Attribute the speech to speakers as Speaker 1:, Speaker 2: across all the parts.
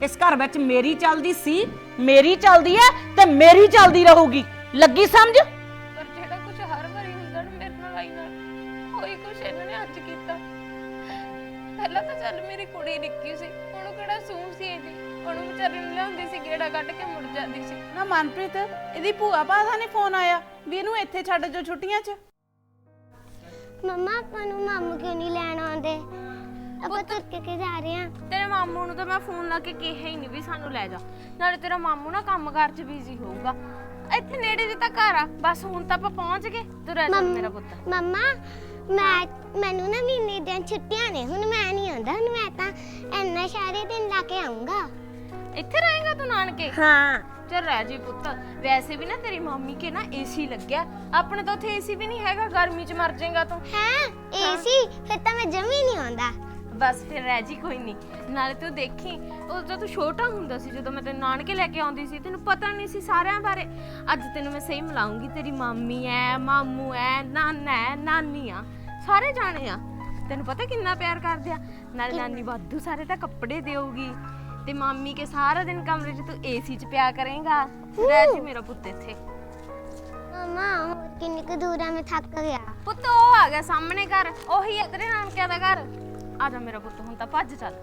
Speaker 1: इस घर विच मेरी चलदी सी, मेरी चलदी है ते मेरी चलदी रहूगी। लगी समझ?
Speaker 2: पर जेड़ा कुछ हर वारी हुंदा ना मेरे नाल आई नाल होई कुछ इन्हां ने अज कीता। पहला तो चल मेरी कुड़ी निक्की सी, ओनू किहड़ा सूह सी जी, ओनू विचारी ਨੂੰ ਲਿਆਉਂਦੀ ਸੀ ਗੇੜਾ ਕੱਢ ਕੇ ਮੁੜ ਜਾਂਦੀ ਸੀ।
Speaker 3: ਨਾ ਮਨਪ੍ਰੀਤ ਇਹਦੀ ਭੂਆ ਭਾ ਦਾ ਨਹੀਂ ਫੋਨ ਆਇਆ ਵੀ ਇਹਨੂੰ ਇੱਥੇ ਛੱਡ ਜੋ ਛੁੱਟੀਆਂ 'ਚ?
Speaker 4: ਮੰਮਾ ਆਪਾਂ ਨੂੰ ਮਾਮੂ ਕਿਉਂ ਨਹੀਂ ਲੈਣ ਆਉਂਦੇ? ਆਪਾਂ ਤੁਰ ਕੇ ਜਾ ਰਹੇ ਹਾਂ।
Speaker 2: ਤੇਰੇ ਮਾਮੂ ਨੂੰ ਤਾਂ ਮੈਂ ਫੋਨ ਲਾ ਕੇ ਕਿਹਾ ਹੀ ਨਹੀਂ ਵੀ ਸਾਨੂੰ ਲੈ ਜਾ, ਨਾਲੇ ਤੇਰਾ ਮਾਮੂ ਨਾ ਕੰਮਕਾਰ 'ਚ ਬਿਜ਼ੀ ਹੋਊਗਾ। ਇੱਥੇ ਨੇੜੇ ਜੇ ਤਾਂ ਘਰ ਆ, ਬਸ ਹੁਣ ਤਾਂ ਆਪਾਂ ਪਹੁੰਚ ਗਏ। ਤੂੰ ਰਹਿ ਜਾ ਮੇਰਾ ਪੁੱਤ।
Speaker 4: ਮੰਮਾ ਮੈਨੂੰ ਨਾ ਮਹੀਨੇ ਦੀਆਂ ਛੁੱਟੀਆਂ ਨੇ, ਹੁਣ ਮੈਂ ਨਹੀਂ ਆਉਂਦਾ, ਹੁਣ ਮੈਂ ਤਾਂ ਇੰਨਾ ਸਾਰੇ ਦਿਨ ਲਾ ਕੇ ਆਉਂਗਾ।
Speaker 2: ਇੱਥੇ ਰਹੇਗਾ ਤੂੰ ਨਾਨਕੇ?
Speaker 4: ਹਾਂ
Speaker 2: ਚੱਲ ਰਹਿ ਜੀ ਪੁੱਤ। ਵੈਸੇ ਵੀ ਨਾ ਤੇਰੀ ਮੰਮੀ ਕੇ ਨਾ ਏਸੀ ਲੱਗਿਆ, ਆਪਣੇ ਤਾਂ ਉੱਥੇ ਏਸੀ ਵੀ ਨਹੀਂ ਹੈਗਾ, ਗਰਮੀ 'ਚ ਮਰ ਜਾਏਗਾ ਤੂੰ।
Speaker 4: ਹੈ ਏਸੀ? ਫਿਰ ਤਾਂ ਮੈਂ ਜਮੀ ਨਹੀਂ ਆਉਂਦਾ।
Speaker 2: ਬਸ ਫਿਰ ਰਹਿ ਜੀ, ਕੋਈ ਨਹੀਂ। ਨਾਲੇ ਤੂੰ ਦੇਖੀ ਉਦੋਂ ਤੂੰ ਛੋਟਾ ਹੁੰਦਾ ਸੀ ਜਦੋਂ ਮੈਂ ਤੈਨੂੰ ਨਾਨਕੇ ਲੈ ਕੇ ਆਉਂਦੀ ਸੀ, ਤੈਨੂੰ ਪਤਾ ਨਹੀਂ ਸੀ ਸਾਰਿਆਂ ਬਾਰੇ। ਅੱਜ ਤੈਨੂੰ ਮੈਂ ਸਹੀ ਮਿਲਾਉਂਗੀ, ਤੇਰੀ ਮਾਮੀ ਐ, ਮਾਮੂ ਐ, ਨਾਨਾ ਐ, ਨਾਨੀ ਆ, ਸਾਰੇ ਜਾਣੇ ਆ। ਤੈਨੂੰ ਪਤਾ ਕਿੰਨਾ ਪਿਆਰ ਕਰਦੇ ਆ। ਨਾਲੇ ਨਾਨੀ ਵਾਧੂ ਸਾਰੇ ਤਾਂ ਕੱਪੜੇ ਦੇਊਗੀ, ਤੇ ਮਾਮੀ ਕੇ ਸਾਰਾ ਦਿਨ ਕਮਰੇ 'ਚ ਤੂੰ ਏਸੀ 'ਚ ਪਿਆ ਕਰੇਂਗਾ। ਰਹਿ ਜੀ ਮੇਰਾ ਪੁੱਤ ਇੱਥੇ।
Speaker 4: ਮੰਮਾ ਹੋਰ ਕਿੰਨੀ ਕੁ ਦੂਰ ਆ, ਮੈਂ ਥੱਕ ਗਿਆ।
Speaker 2: ਪੁੱਤ ਉਹ ਆ ਗਿਆ ਸਾਹਮਣੇ ਘਰ, ਉਹੀ ਹੈ ਤੇਰੇ ਨਾਨਕਿਆਂ ਦਾ ਘਰ। ਆ ਜਾ ਮੇਰਾ ਪੁੱਤ, ਹੁਣ ਤਾਂ ਭੱਜ ਚੱਲ।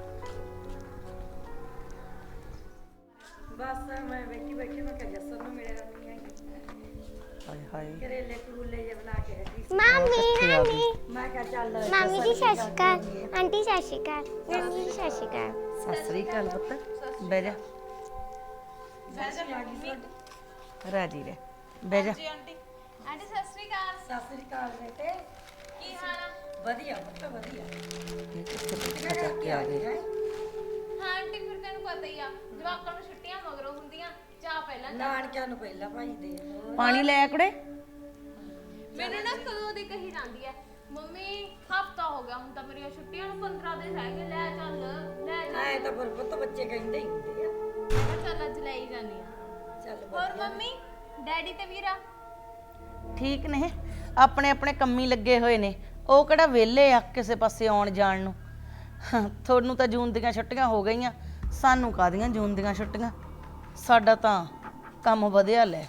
Speaker 5: ਬਸ ਮੈਂ ਵੇਖੀ ਬੈਠੀ, ਮੈਂ ਕਿਹਾ ਜੱਸਰ ਨੂੰ ਮਿਲਿਆ ਨਹੀਂ ਹੈਗੀ।
Speaker 1: हाय हाय
Speaker 5: ਕਰੇਲੇ ਕਰੂਲੇ ਜੇ ਬਣਾ ਕੇ ਹਟੀ ਸੀ।
Speaker 4: ਮਾਮੀ ਨਾਨੀ
Speaker 5: ਮੈਂ ਕਿਹਾ ਚੱਲ
Speaker 4: ਮਾਮੀ ਜੀ ਸਤਿ ਸ਼੍ਰੀ ਅਕਾਲ, ਆਂਟੀ ਸਤਿ ਸ਼੍ਰੀ ਅਕਾਲ, ਨਾਨੀ ਜੀ ਸਤਿ ਸ਼੍ਰੀ ਅਕਾਲ।
Speaker 1: सत श्री अकाल पुत्त, बह जा राजी रह, बह जा।
Speaker 2: ਆਂਟੀ ਸਤਿ ਸ੍ਰੀ ਅਕਾਲ।
Speaker 5: ਸਤਿ ਸ੍ਰੀ ਅਕਾਲ ਬੇਟੇ,
Speaker 2: ਕੀ ਹਾਲ ਆ?
Speaker 5: ਵਧੀਆ ਪੁੱਤ ਵਧੀਆ।
Speaker 1: ये कित्थे पुट्ठा चक के आ गए।
Speaker 2: ਹਾਂ ਆਂਟੀ, ਫਿਰ ਤੈਨੂੰ ਪਤਾ ਹੀ ਆ ਜਵਾਕਾਂ ਨੂੰ ਛੁੱਟੀਆਂ ਮਗਰੋਂ ਹੁੰਦੀਆਂ, ਚਾਹ ਪਹਿਲਾਂ
Speaker 5: ਨਾਨਕਿਆਂ ਨੂੰ ਪਹਿਲਾਂ ਭਾਈ ਦੇ
Speaker 1: पानी ले आ कुड़े।
Speaker 2: ਮੈਨੂੰ ਨਾ ਕਦੋਂ ਦੀ ਕਹੀ ਜਾਂਦੀ ਐ, ਮੰਮੀ ਹਫਤਾ ਹੋ ਗਿਆ ਹੁਣ ਤਾਂ ਮੇਰੀਆਂ ਛੁੱਟੀਆਂ ਨੂੰ, 15 ਦਿਨ ਰਹਿ ਗਏ, ਲੈ ਚੱਲ ਲੈ ਚੱਲ।
Speaker 5: ਐ ਤਾਂ ਪਰ ਪੁੱਤ ਬੱਚੇ ਕਹਿੰਦੇ ਹੀ ਹੁੰਦੇ ਆ।
Speaker 2: ਮੈਂ ਕਿਹਾ ਚੱਲ ਅੱਜ ਲੈ ਹੀ ਜਾਂਦੀ ਆ।
Speaker 5: ਚੱਲ
Speaker 2: ਹੋਰ ਮੰਮੀ ਡੈਡੀ ਤੇ ਵੀਰਾ?
Speaker 1: ਠੀਕ ਨੇ, ਆਪਣੇ ਆਪਣੇ ਕੰਮੀ ਲੱਗੇ ਹੋਏ ਨੇ। ਉਹ ਕਿਹੜਾ ਵਿਹਲੇ ਆ ਕਿਸੇ ਪਾਸੇ ਆਉਣ ਜਾਣ ਨੂੰ। ਤੁਹਾਨੂੰ ਤਾਂ ਜੂਨ ਦੀਆਂ ਛੁੱਟੀਆਂ ਹੋ ਗਈਆਂ, ਸਾਨੂੰ ਕਾਹਦੀਆਂ ਜੂਨ ਦੀਆਂ ਛੁੱਟੀਆਂ। ਸਾਡਾ ਤਾਂ ਕੰਮ ਵਧਿਆ ਲੈ।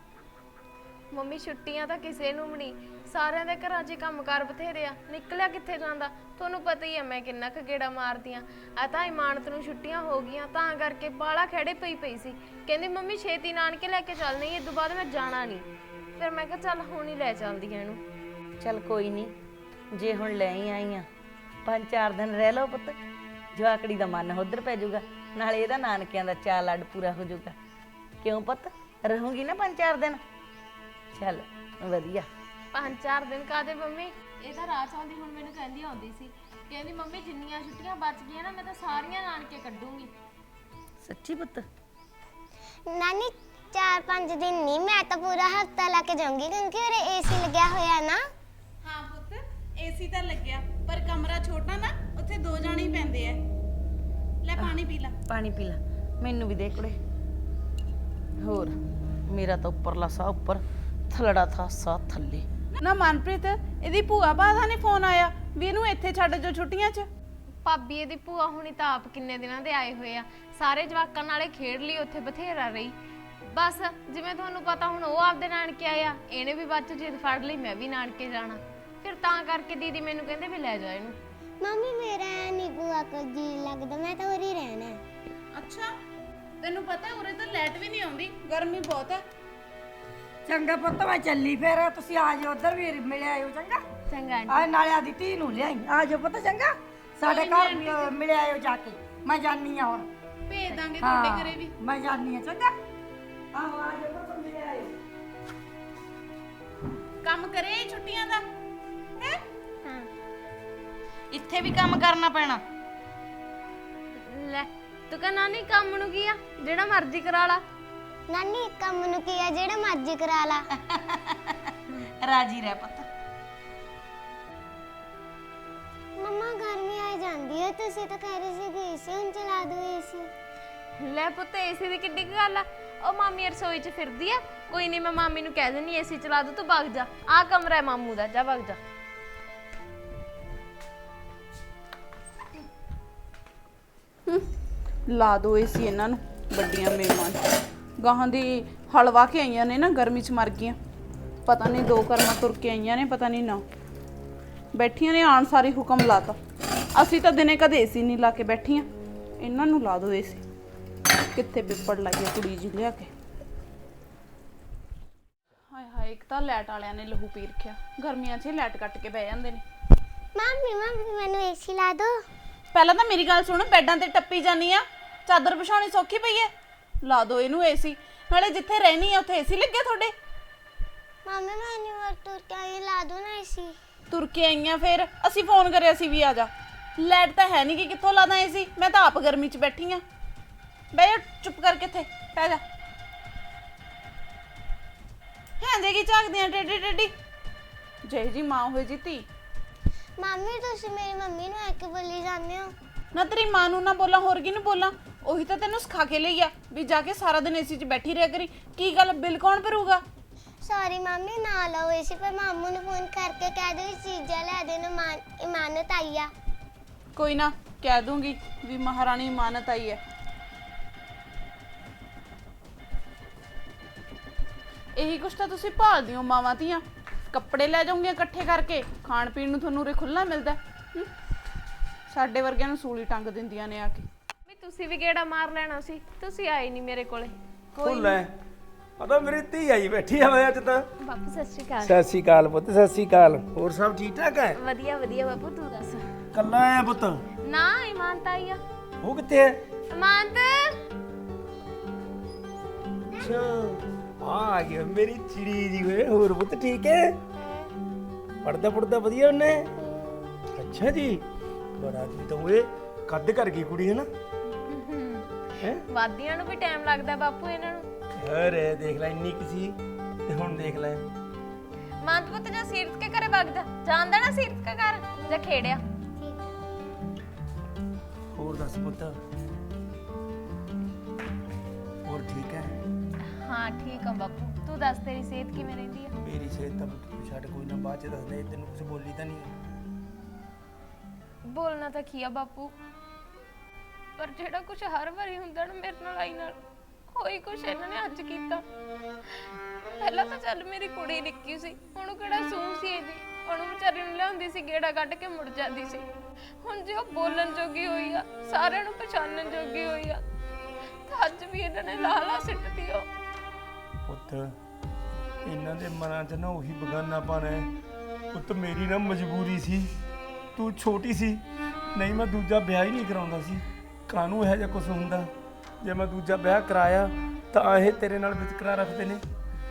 Speaker 2: ਮੰਮੀ ਛੁੱਟੀਆਂ ਤਾਂ ਕਿਸੇ ਨੂੰ ਵੀ ਨਹੀਂ, ਸਾਰਿਆਂ ਦੇ ਘਰਾਂ 'ਚ ਕੰਮਕਾਰ ਬਥੇਰੇ ਆ, ਨਿਕਲਿਆ ਕਿੱਥੇ ਜਾਂਦਾ। ਤੁਹਾਨੂੰ ਪਤਾ ਹੀ ਆ ਮੈਂ ਕਿੰਨਾ ਕੁ ਗੇੜਾ ਮਾਰਦੀ ਆ। ਆ ਤਾਂ ਇਮਾਨਤ ਨੂੰ ਛੁੱਟੀਆਂ ਹੋ ਗਈਆਂ ਤਾਂ ਕਰਕੇ ਬਾਲਾ ਖੜੇ ਪਈ ਸੀ, ਕਹਿੰਦੀ ਮੰਮੀ ਛੇਤੀ ਨਾਨਕੇ ਲੈ ਕੇ ਚੱਲਣੀ, ਇਹ ਤੋਂ ਬਾਅਦ ਮੈਂ ਜਾਣਾ ਨਹੀਂ। ਫਿਰ ਮੈਂ ਕਿਹਾ ਚੱਲ ਹੁਣ ਹੀ ਲੈ ਚੱਲਦੀ ਆ ਇਹਨੂੰ।
Speaker 1: ਚੱਲ ਕੋਈ ਨਹੀਂ, ਜੇ ਹੁਣ ਲੈ ਹੀ ਆਈ ਆ 5-4 ਦਿਨ ਰਹਿ ਲਓ ਪੁੱਤ, ਜਵਾਕੜੀ ਦਾ ਮਨ ਉਧਰ ਪੈ ਜਾਊਗਾ, ਨਾਲੇ ਇਹਦਾ ਨਾਨਕਿਆਂ ਦਾ ਚਾਅ ਲੱਡ ਪੂਰਾ ਹੋ ਜਾਊਗਾ। ਕਿਉਂ ਪੁੱਤ, ਰਹੂਗੀ ਨਾ 5-4 ਦਿਨ? ਚੱਲ ਵਧੀਆ।
Speaker 2: 5-4 ਦਿਨ ਕਾਹਦੇ ਮੰਮੀ, ਇਹ ਤਾਂ ਰਾਤ ਆਉਂਦੀ ਹੁਣ ਮੈਨੂੰ ਕਹਿੰਦੀ ਆਉਂਦੀ ਸੀ, ਕਹਿੰਦੀ ਮੰਮੀ ਜਿੰਨੀਆਂ ਛੁੱਟੀਆਂ ਬਚ ਗਈਆਂ ਨਾ ਮੈਂ ਤਾਂ ਸਾਰੀਆਂ ਨਾਨਕੇ ਕੱਢੂੰਗੀ।
Speaker 1: ਸੱਚੀ ਪੁੱਤ?
Speaker 4: ਨਾਨੀ 4-5 ਦਿਨ ਨਹੀਂ, ਮੈਂ ਤਾਂ ਪੂਰਾ ਹਫਤਾ ਲਾ ਕੇ ਜਾਊਂਗੀ, ਕਿਉਂਕਿ ਉਰੇ ਏਸੀ ਲੱਗਿਆ ਹੋਇਆ ਨਾ।
Speaker 3: ਹਾਂ ਪੁੱਤ ਏਸੀ ਤਾਂ ਲੱਗਿਆ, ਪਰ ਕਮਰਾ ਛੋਟਾ ਨਾ, ਉੱਥੇ 2 ਜਾਣੇ ਹੀ ਪੈਂਦੇ ਆ। ਲੈ ਪਾਣੀ ਪੀ ਲੈ।
Speaker 1: ਪਾਣੀ ਪੀ ਲੈ, ਮੈਨੂੰ ਵੀ ਦੇ ਕੁੜੇ। ਹੋਰ ਮੇਰਾ ਤਾਂ ਉੱਪਰਲਾ ਸਾਹ ਉੱਪਰ, ਥਲੜਾ ਥਾ ਸਾਹ ਥੱਲੇ।
Speaker 3: ਨਾ ਮਨਪ੍ਰੀਤ ਇਹਦੀ ਭੂਆ ਭਾ ਦਾ ਨਹੀਂ ਫੋਨ ਆਇਆ ਵੀ ਇਹਨੂੰ ਇੱਥੇ ਛੱਡ ਜੋ ਛੁੱਟੀਆਂ 'ਚ?
Speaker 2: ਭਾਬੀ ਇਹਦੀ ਭੂਆ ਹੁਣੀ ਤਾਂ ਆਪ ਕਿੰਨੇ ਦਿਨਾਂ ਦੇ ਆਏ ਹੋਏ ਆ, ਸਾਰੇ ਜਵਾਕਾਂ ਨਾਲੇ ਖੇਡ ਲਈ, ਉੱਥੇ ਬਥੇਰਾ ਰਹੀ। ਬਸ ਜਿਵੇਂ ਤੁਹਾਨੂੰ ਪਤਾ ਹੁਣ ਉਹ ਆਪਦੇ ਨਾਨਕੇ ਆਇਆ, ਇਹਨੇ ਵੀ ਬਾਅਦ 'ਚ ਜਿੱਦ ਫੜ ਲਈ ਮੈਂ ਵੀ ਨਾਨਕੇ ਜਾਣਾ, ਫਿਰ ਤਾਂ ਕਰਕੇ ਦੀਦੀ ਮੈਨੂੰ ਕਹਿੰਦੇ ਵੀ ਲੈ ਜਾ ਇਹਨੂੰ।
Speaker 4: ਮੰਮੀ ਮੇਰਾ ਨਹੀਂ ਭੂਆ ਕੋਲ ਜੀ ਲੱਗਦਾ, ਮੈਂ ਤਾਂ ਉਰੇ ਹੀ ਰਹਿਣਾ ਹੈ।
Speaker 3: ਅੱਛਾ ਤੈਨੂੰ ਪਤਾ ਉਰੇ ਤਾਂ ਲਾਈਟ ਵੀ ਨਹੀਂ ਆਉਂਦੀ, ਗਰਮੀ ਬਹੁਤ ਹੈ।
Speaker 5: ਚੰਗਾ ਪੁੱਤ ਮੈਂ ਚੱਲੀ, ਫਿਰ ਤੁਸੀਂ ਆ ਜਾਓ ਉਧਰ ਵੀ ਮਿਲ ਆਇਓ। ਚੰਗਾ
Speaker 2: ਚੰਗਾ ਆਂਟੀ।
Speaker 5: ਆ ਨਾਲੇ ਆਦੀ ਧੀ ਨੂੰ ਲਿਆਈ, ਆ ਜਾਓ ਪੁੱਤ। ਚੰਗਾ ਸਾਡੇ ਘਰ ਮਿਲ ਆਇਓ ਜਾ ਕੇ, ਮੈਂ ਜਾਨੀ ਆ ਹੁਣ।
Speaker 3: ਭੇਜ ਦਾਂਗੇ ਤੁਹਾਡੇ ਘਰੇ ਵੀ।
Speaker 5: ਮੈਂ ਜਾਨੀ ਆ। ਚੰਗਾ ਆਹੋ ਆ ਜਾਓ ਪੁੱਤ, ਮਿਲ ਆਇਓ।
Speaker 3: ਕੰਮ ਕਰੇ ਛੁੱਟੀਆਂ ਦਾ ਹੈ?
Speaker 4: ਹਾਂ
Speaker 1: ਇੱਥੇ ਵੀ ਕੰਮ ਕਰਨਾ ਪੈਣਾ।
Speaker 2: ਲੈ ਤੂੰ ਕਹ ਨਾਨੀ ਕੰਮ ਨੂੰ ਕੀ ਆ, ਜਿਹੜਾ ਮਰਜ਼ੀ ਕਰਾ ਲਾ।
Speaker 4: ਨਾਨੀ ਕੰਮ ਨੂੰ ਕੀ ਆ, ਜਿਹੜਾ ਮਰਜ਼ੀ ਕਰਾ ਲਾ।
Speaker 1: ਰਾਜੀ ਰਹਿ ਪੁੱਤ।
Speaker 4: ਮੰਮਾ ਗਰਮੀ ਆ ਜਾਂਦੀ ਹੈ, ਤੁਸੀਂ ਤਾਂ ਕਹਿ ਰਹੇ ਸੀ ਕਿ ਏਸੀ ਹੁਣ ਚਲਾ ਦੋ ਏਸੀ।
Speaker 2: ਲੈ ਪੁੱਤ ਏਸੀ ਦੀ ਕਿੱਡੀ ਕੁ ਗੱਲ ਆ, ਉਹ ਮਾਮੀ ਰਸੋਈ 'ਚ ਫਿਰਦੀ ਆ, ਕੋਈ ਨਹੀਂ ਮੈਂ ਮਾਮੀ ਨੂੰ ਕਹਿ ਦਿੰਨੀ ਏਸੀ ਚਲਾ ਦੂ, ਤੂੰ ਵਗ ਜਾ, ਆਹ ਕਮਰਾ ਹੈ ਮਾਮੂ ਦਾ, ਜਾ ਵਗ ਜਾ।
Speaker 3: ਲਾ ਦੋ ਏਸੀ ਇਹਨਾਂ ਨੂੰ, ਵੱਡੀਆਂ ਮਹਿਮਾਨ ਗਾਹਾਂ ਦੀ ਹਲਵਾ ਕੇ ਆਈਆਂ ਨੇ ਨਾ, ਗਰਮੀ 'ਚ ਮਰ ਗਈਆਂ। ਪਤਾ ਨਹੀਂ 2 ਕਰਮਾਂ ਤੁਰ ਕੇ ਆਈਆਂ ਨੇ, ਪਤਾ ਨਹੀਂ ਨਾ ਬੈਠੀਆਂ ਨੇ ਆਣ ਸਾਰੀ ਹੁਕਮ ਲਾਤਾ। ਅਸੀਂ ਤਾਂ ਦਿਨੇ ਕਦੇ ਏਸੀ ਨਹੀਂ ਲਾ ਕੇ ਬੈਠੀਆਂ, ਇਹਨਾਂ ਨੂੰ ਲਾ ਦੋ ਏਸੀ। ਕਿੱਥੇ ਪਿੱਪੜ ਲੱਗਿਆ ਕੁੜੀ ਜੀ ਲਿਆ ਕੇ। ਹਾਏ ਹਾਏ, ਇੱਕ ਤਾਂ ਲਾਈਟ ਵਾਲਿਆਂ ਨੇ ਲਹੂ ਪੀ ਰੱਖਿਆ। ਗਰਮੀਆਂ 'ਚ ਲਾਈਟ ਕੱਟ ਕੇ ਬਹਿ ਜਾਂਦੇ ਨੇ।
Speaker 4: ਮੰਮੀ ਮੈਨੂੰ ਏਸੀ ਲਾ ਦੋ।
Speaker 3: ਪਹਿਲਾਂ ਤਾਂ ਮੇਰੀ ਗੱਲ ਸੁਣ, ਬੈੱਡਾਂ ਤੇ ਟੱਪੀ ਜਾਨੀ ਆ, ਚਾਦਰ ਵਿਛਾਉਣੀ ਸੌਖੀ ਪਈ ਐ। ਲਾ ਦੋ ਇਹਨੂੰ ਏਸੀ, ਨਾਲੇ ਜਿੱਥੇ ਰਹਿਣੀ ਆ ਉੱਥੇ ਏਸੀ ਲੱਗਿਆ ਤੁਹਾਡੇ।
Speaker 4: ਮੰਮੀ ਮੈਨੂੰ ਤੁਰ ਕੇ ਲਾ ਦੋ ਨਾ ਏਸੀ।
Speaker 3: ਤੁਰ ਕੇ ਆਈਆਂ, ਫਿਰ ਅਸੀਂ ਫੋਨ ਕਰਿਆ ਸੀ ਵੀ ਆ ਜਾ। ਲਾਈਟ ਤਾਂ ਹੈ ਨਹੀਂ ਕਿ ਕਿੱਥੋਂ ਲਾਦਾ ਏਸੀ। ਮੈਂ ਤਾਂ ਆਪ ਗਰਮੀ 'ਚ ਬੈਠੀ ਆ। ਬਹਿ ਜਾ ਚੁੱਪ ਕਰਕੇ, ਇੱਥੇ ਪੈ ਜਾ। ਹੈਂ ਦੇਗੀ ਝਾਕਦੀਆਂ ਟੇਡੀ ਟੇਡੀ, ਜਿਹੀ ਜੀ ਮਾਂ ਹੋਈ ਜੀ ਧੀ।
Speaker 4: ਮੰਮੀ ਤੁਸੀਂ ਮੇਰੀ ਮੰਮੀ ਨੂੰ ਐ ਕਿ ਬੋਲੀ ਜਾਂਦੇ ਹੋ?
Speaker 3: ਨਾ ਤੇਰੀ ਮਾਂ ਨੂੰ ਨਾ ਬੋਲਾਂ, ਹੋਰ ਕਿਹਨੂੰ ਬੋਲਾਂ? ਉਹੀ ਤਾਂ ਤੈਨੂੰ ਸਿਖਾ ਕੇ ਲਈ ਆ ਵੀ ਜਾ ਕੇ ਸਾਰਾ ਦਿਨ ਏਸੀ 'ਚ ਬੈਠੀ ਰਿਹਾ ਕਰੀ। ਕੀ ਗੱਲ, ਬਿੱਲ ਕੌਣ ਭਰੂਗਾ?
Speaker 4: ਸੌਰੀ ਮੰਮੀ, ਨਾ ਲਾਓ ਏਸੀ। ਪਰ ਮਾਮੂ ਨੂੰ ਫੋਨ ਕਰਕੇ ਕਹਿ ਦਿਓ ਚੀਜ਼ਾਂ ਲੈ ਦੇ ਨੂੰ ਇਮਾਨਤ ਆਈ ਆ।
Speaker 3: ਕੋਈ ਨਾ, ਕਹਿ ਦੂੰਗੀ ਵੀ ਮਹਾਰਾਣੀ ਇਮਾਨਤ ਆਈ ਹੈ। ਇਹੀ ਕੁਛ ਤਾਂ ਤੁਸੀਂ ਭਾਲਦੀ ਹੋ ਮਾਵਾਂ ਧੀਆਂ। ਕੱਪੜੇ ਲੈ ਜਾਉਂਗੀਆਂ ਇਕੱਠੇ ਕਰਕੇ, ਖਾਣ ਪੀਣ ਨੂੰ ਤੁਹਾਨੂੰ ਉਰੇ ਖੁੱਲ੍ਹਾ ਮਿਲਦਾ। ਸਾਡੇ ਵਰਗਿਆਂ ਨੂੰ ਸੂਲੀ ਟੰਗ ਦਿੰਦੀਆਂ ਨੇ ਆ ਕੇ।
Speaker 2: ਵੀ ਤੁਸੀਂ ਵੀ ਗੇੜਾ ਮਾਰ ਲੈਣਾ ਸੀ, ਤੁਸੀਂ ਆਏ ਨਹੀਂ ਮੇਰੇ ਕੋਲੇ।
Speaker 6: ਫੁੱਲ ਐ ਪਤਾ ਮੇਰੀ ਧੀ ਆਈ ਬੈਠੀ ਆ। ਮੈਂ ਅੱਜ ਤਾਂ
Speaker 2: ਬਾਪੂ ਸਤਿ ਸ਼੍ਰੀ ਅਕਾਲ।
Speaker 6: ਸਤਿ ਸ਼੍ਰੀ ਅਕਾਲ ਪੁੱਤ, ਸਤਿ ਸ਼੍ਰੀ ਅਕਾਲ। ਹੋਰ ਸਭ ਠੀਕ ਠਾਕ ਹੈ?
Speaker 2: ਵਧੀਆ ਵਧੀਆ ਬਾਪੂ, ਤੂੰ ਦੱਸ।
Speaker 6: ਕੱਲਾ ਆਇਆ ਪੁੱਤ?
Speaker 2: ਨਾ ਇਮਾਨਤ ਆਈ ਆ।
Speaker 6: ਉਹ ਕਿੱਥੇ ਹੈ?
Speaker 2: ਇਮਾਨਤ
Speaker 6: ਅੱਛਾ ਆ ਗਿਆ ਮੇਰੀ ਚਿੜੀ ਜੀ ਓਏ। ਹੋਰ ਪੁੱਤ ਠੀਕ ਹੈ? ਪੜਦਾ ਵਧੀਆ ਉਹਨੇ? ਅੱਛਾ ਜੀ, ਬੜਾ ਜੀ ਤਾਂ ਓਏ ਕੱਦ ਕਰ ਗਈ ਕੁੜੀ ਹੈ ਨਾ। ਹੈ
Speaker 2: ਵਾਦੀਆਂ ਨੂੰ ਵੀ ਟਾਈਮ ਲੱਗਦਾ ਬਾਪੂ ਇਹਨਾਂ ਨੂੰ।
Speaker 6: ਅਰੇ ਦੇਖ ਲੈ, ਇੰਨੀ ਕਿਸੀ ਤੇ ਹੁਣ ਦੇਖ ਲੈ।
Speaker 2: ਮਾਨਤ ਪੁੱਤ ਜਾ ਸੀਰਤ ਕੇ ਘਰੇ ਵਗ ਜਾ। ਜਾਂਦਾ ਨਾ ਸੀਰਤ ਕੇ ਘਰ ਜਾ ਖੇੜਿਆ।
Speaker 6: ਹੋਰ ਦੱਸ ਪੁੱਤ, ਹੋਰ ਠੀਕ ਹੈ?
Speaker 2: ਹਾਂ ਠੀਕ ਆ ਬਾਪੂ, ਤੂੰ ਦੱਸ ਤੇਰੀ ਸਿਹਤ ਕਿਵੇਂ ਰਹਿੰਦੀ ਆ?
Speaker 6: ਮੇਰੀ ਸਿਹਤ ਤਾਂ ਤੂੰ ਛੱਡ, ਕੋਈ ਨਾ ਬਾਅਦ ਚ ਦੱਸਦੇ। ਤੈਨੂੰ ਕੁਝ ਬੋਲੀ ਤਾਂ ਨਹੀਂ?
Speaker 2: ਬੋਲਣਾ ਤਾਂ ਕੀ ਆ ਬਾਪੂ, ਪਰ ਜਿਹੜਾ ਕੁਝ ਹਰ ਵਾਰੀ ਹੁੰਦਾ ਨਾ ਮੇਰੇ ਨਾਲ ਆਈ ਨਾਲ, ਕੋਈ ਕੁਛ ਇਹਨਾਂ ਨੇ ਅੱਜ ਕੀਤਾ। ਪਹਿਲਾਂ ਤਾਂ ਚੱਲ ਮੇਰੀ ਕੁੜੀ ਨਿੱਕੀ ਸੀ, ਹੁਣ ਕਿਹੜਾ ਸੂਹ ਸੀ ਇਹਦੀ। ਉਹਨੂੰ ਵਿਚਾਰੀ ਨੂੰ ਲਿਆਉਂਦੀ ਸੀ, ਗੇੜਾ ਕੱਢ ਕੇ ਮੁੜ ਜਾਂਦੀ ਸੀ। ਹੁਣ ਜੇ ਉਹ ਬੋਲਣ ਜੋਗੀ ਹੋਈ ਆ, ਸਾਰਿਆਂ ਨੂੰ ਪਛਾਣਨ ਜੋਗੀ ਹੋਈ ਆ, ਤਾਂ ਅੱਜ ਵੀ ਇਹਨਾਂ ਨੇ ਲਾਲਾ ਸਿੱਟਦੀ ਉਹ।
Speaker 6: ਪੁੱਤ ਇਹਨਾਂ ਦੇ ਮਨਾਂ 'ਚ ਨਾ ਉਹੀ ਬਗਾਨਾਪਨ ਹੈ। ਪੁੱਤ ਮੇਰੀ ਨਾ ਮਜਬੂਰੀ ਸੀ, ਤੂੰ ਛੋਟੀ ਸੀ, ਨਹੀਂ ਮੈਂ ਦੂਜਾ ਵਿਆਹ ਹੀ ਨਹੀਂ ਕਰਾਉਂਦਾ ਸੀ। ਕਾਹਨੂੰ ਇਹੋ ਜਿਹਾ ਕੁਝ ਹੁੰਦਾ? ਜੇ ਮੈਂ ਦੂਜਾ ਵਿਆਹ ਕਰਾਇਆ ਤਾਂ ਇਹ ਤੇਰੇ ਨਾਲ ਵਿਤਕਰਾ ਰੱਖਦੇ ਨੇ।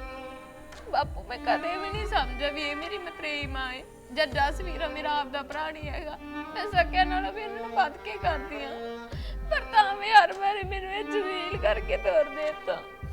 Speaker 2: ਬਾਪੂ ਮੈਂ ਕਦੇ ਵੀ ਨਹੀਂ ਸਮਝਿਆ ਵੀ ਇਹ ਮੇਰੀ ਮਤਰੇਈ ਮਾਂ ਹੈ। ਜਦ ਜਸਵੀਰ ਮੇਰਾ ਆਪਦਾ ਭਰਾ ਨਹੀਂ ਹੈਗਾ, ਮੈਂ ਸਕਿਆ ਨਾਲੋਂ ਵੀ ਇਹਨਾਂ ਨੂੰ ਵੱਧ ਕੇ ਕਰਦੀ ਆ। ਪਰ ਤਾਂ ਵੀ ਹਰ ਵਾਰੀ ਮੈਨੂੰ ਇਹ ਜਲੀਲ ਕਰਕੇ ਤੋਰ ਦੇਤਾ।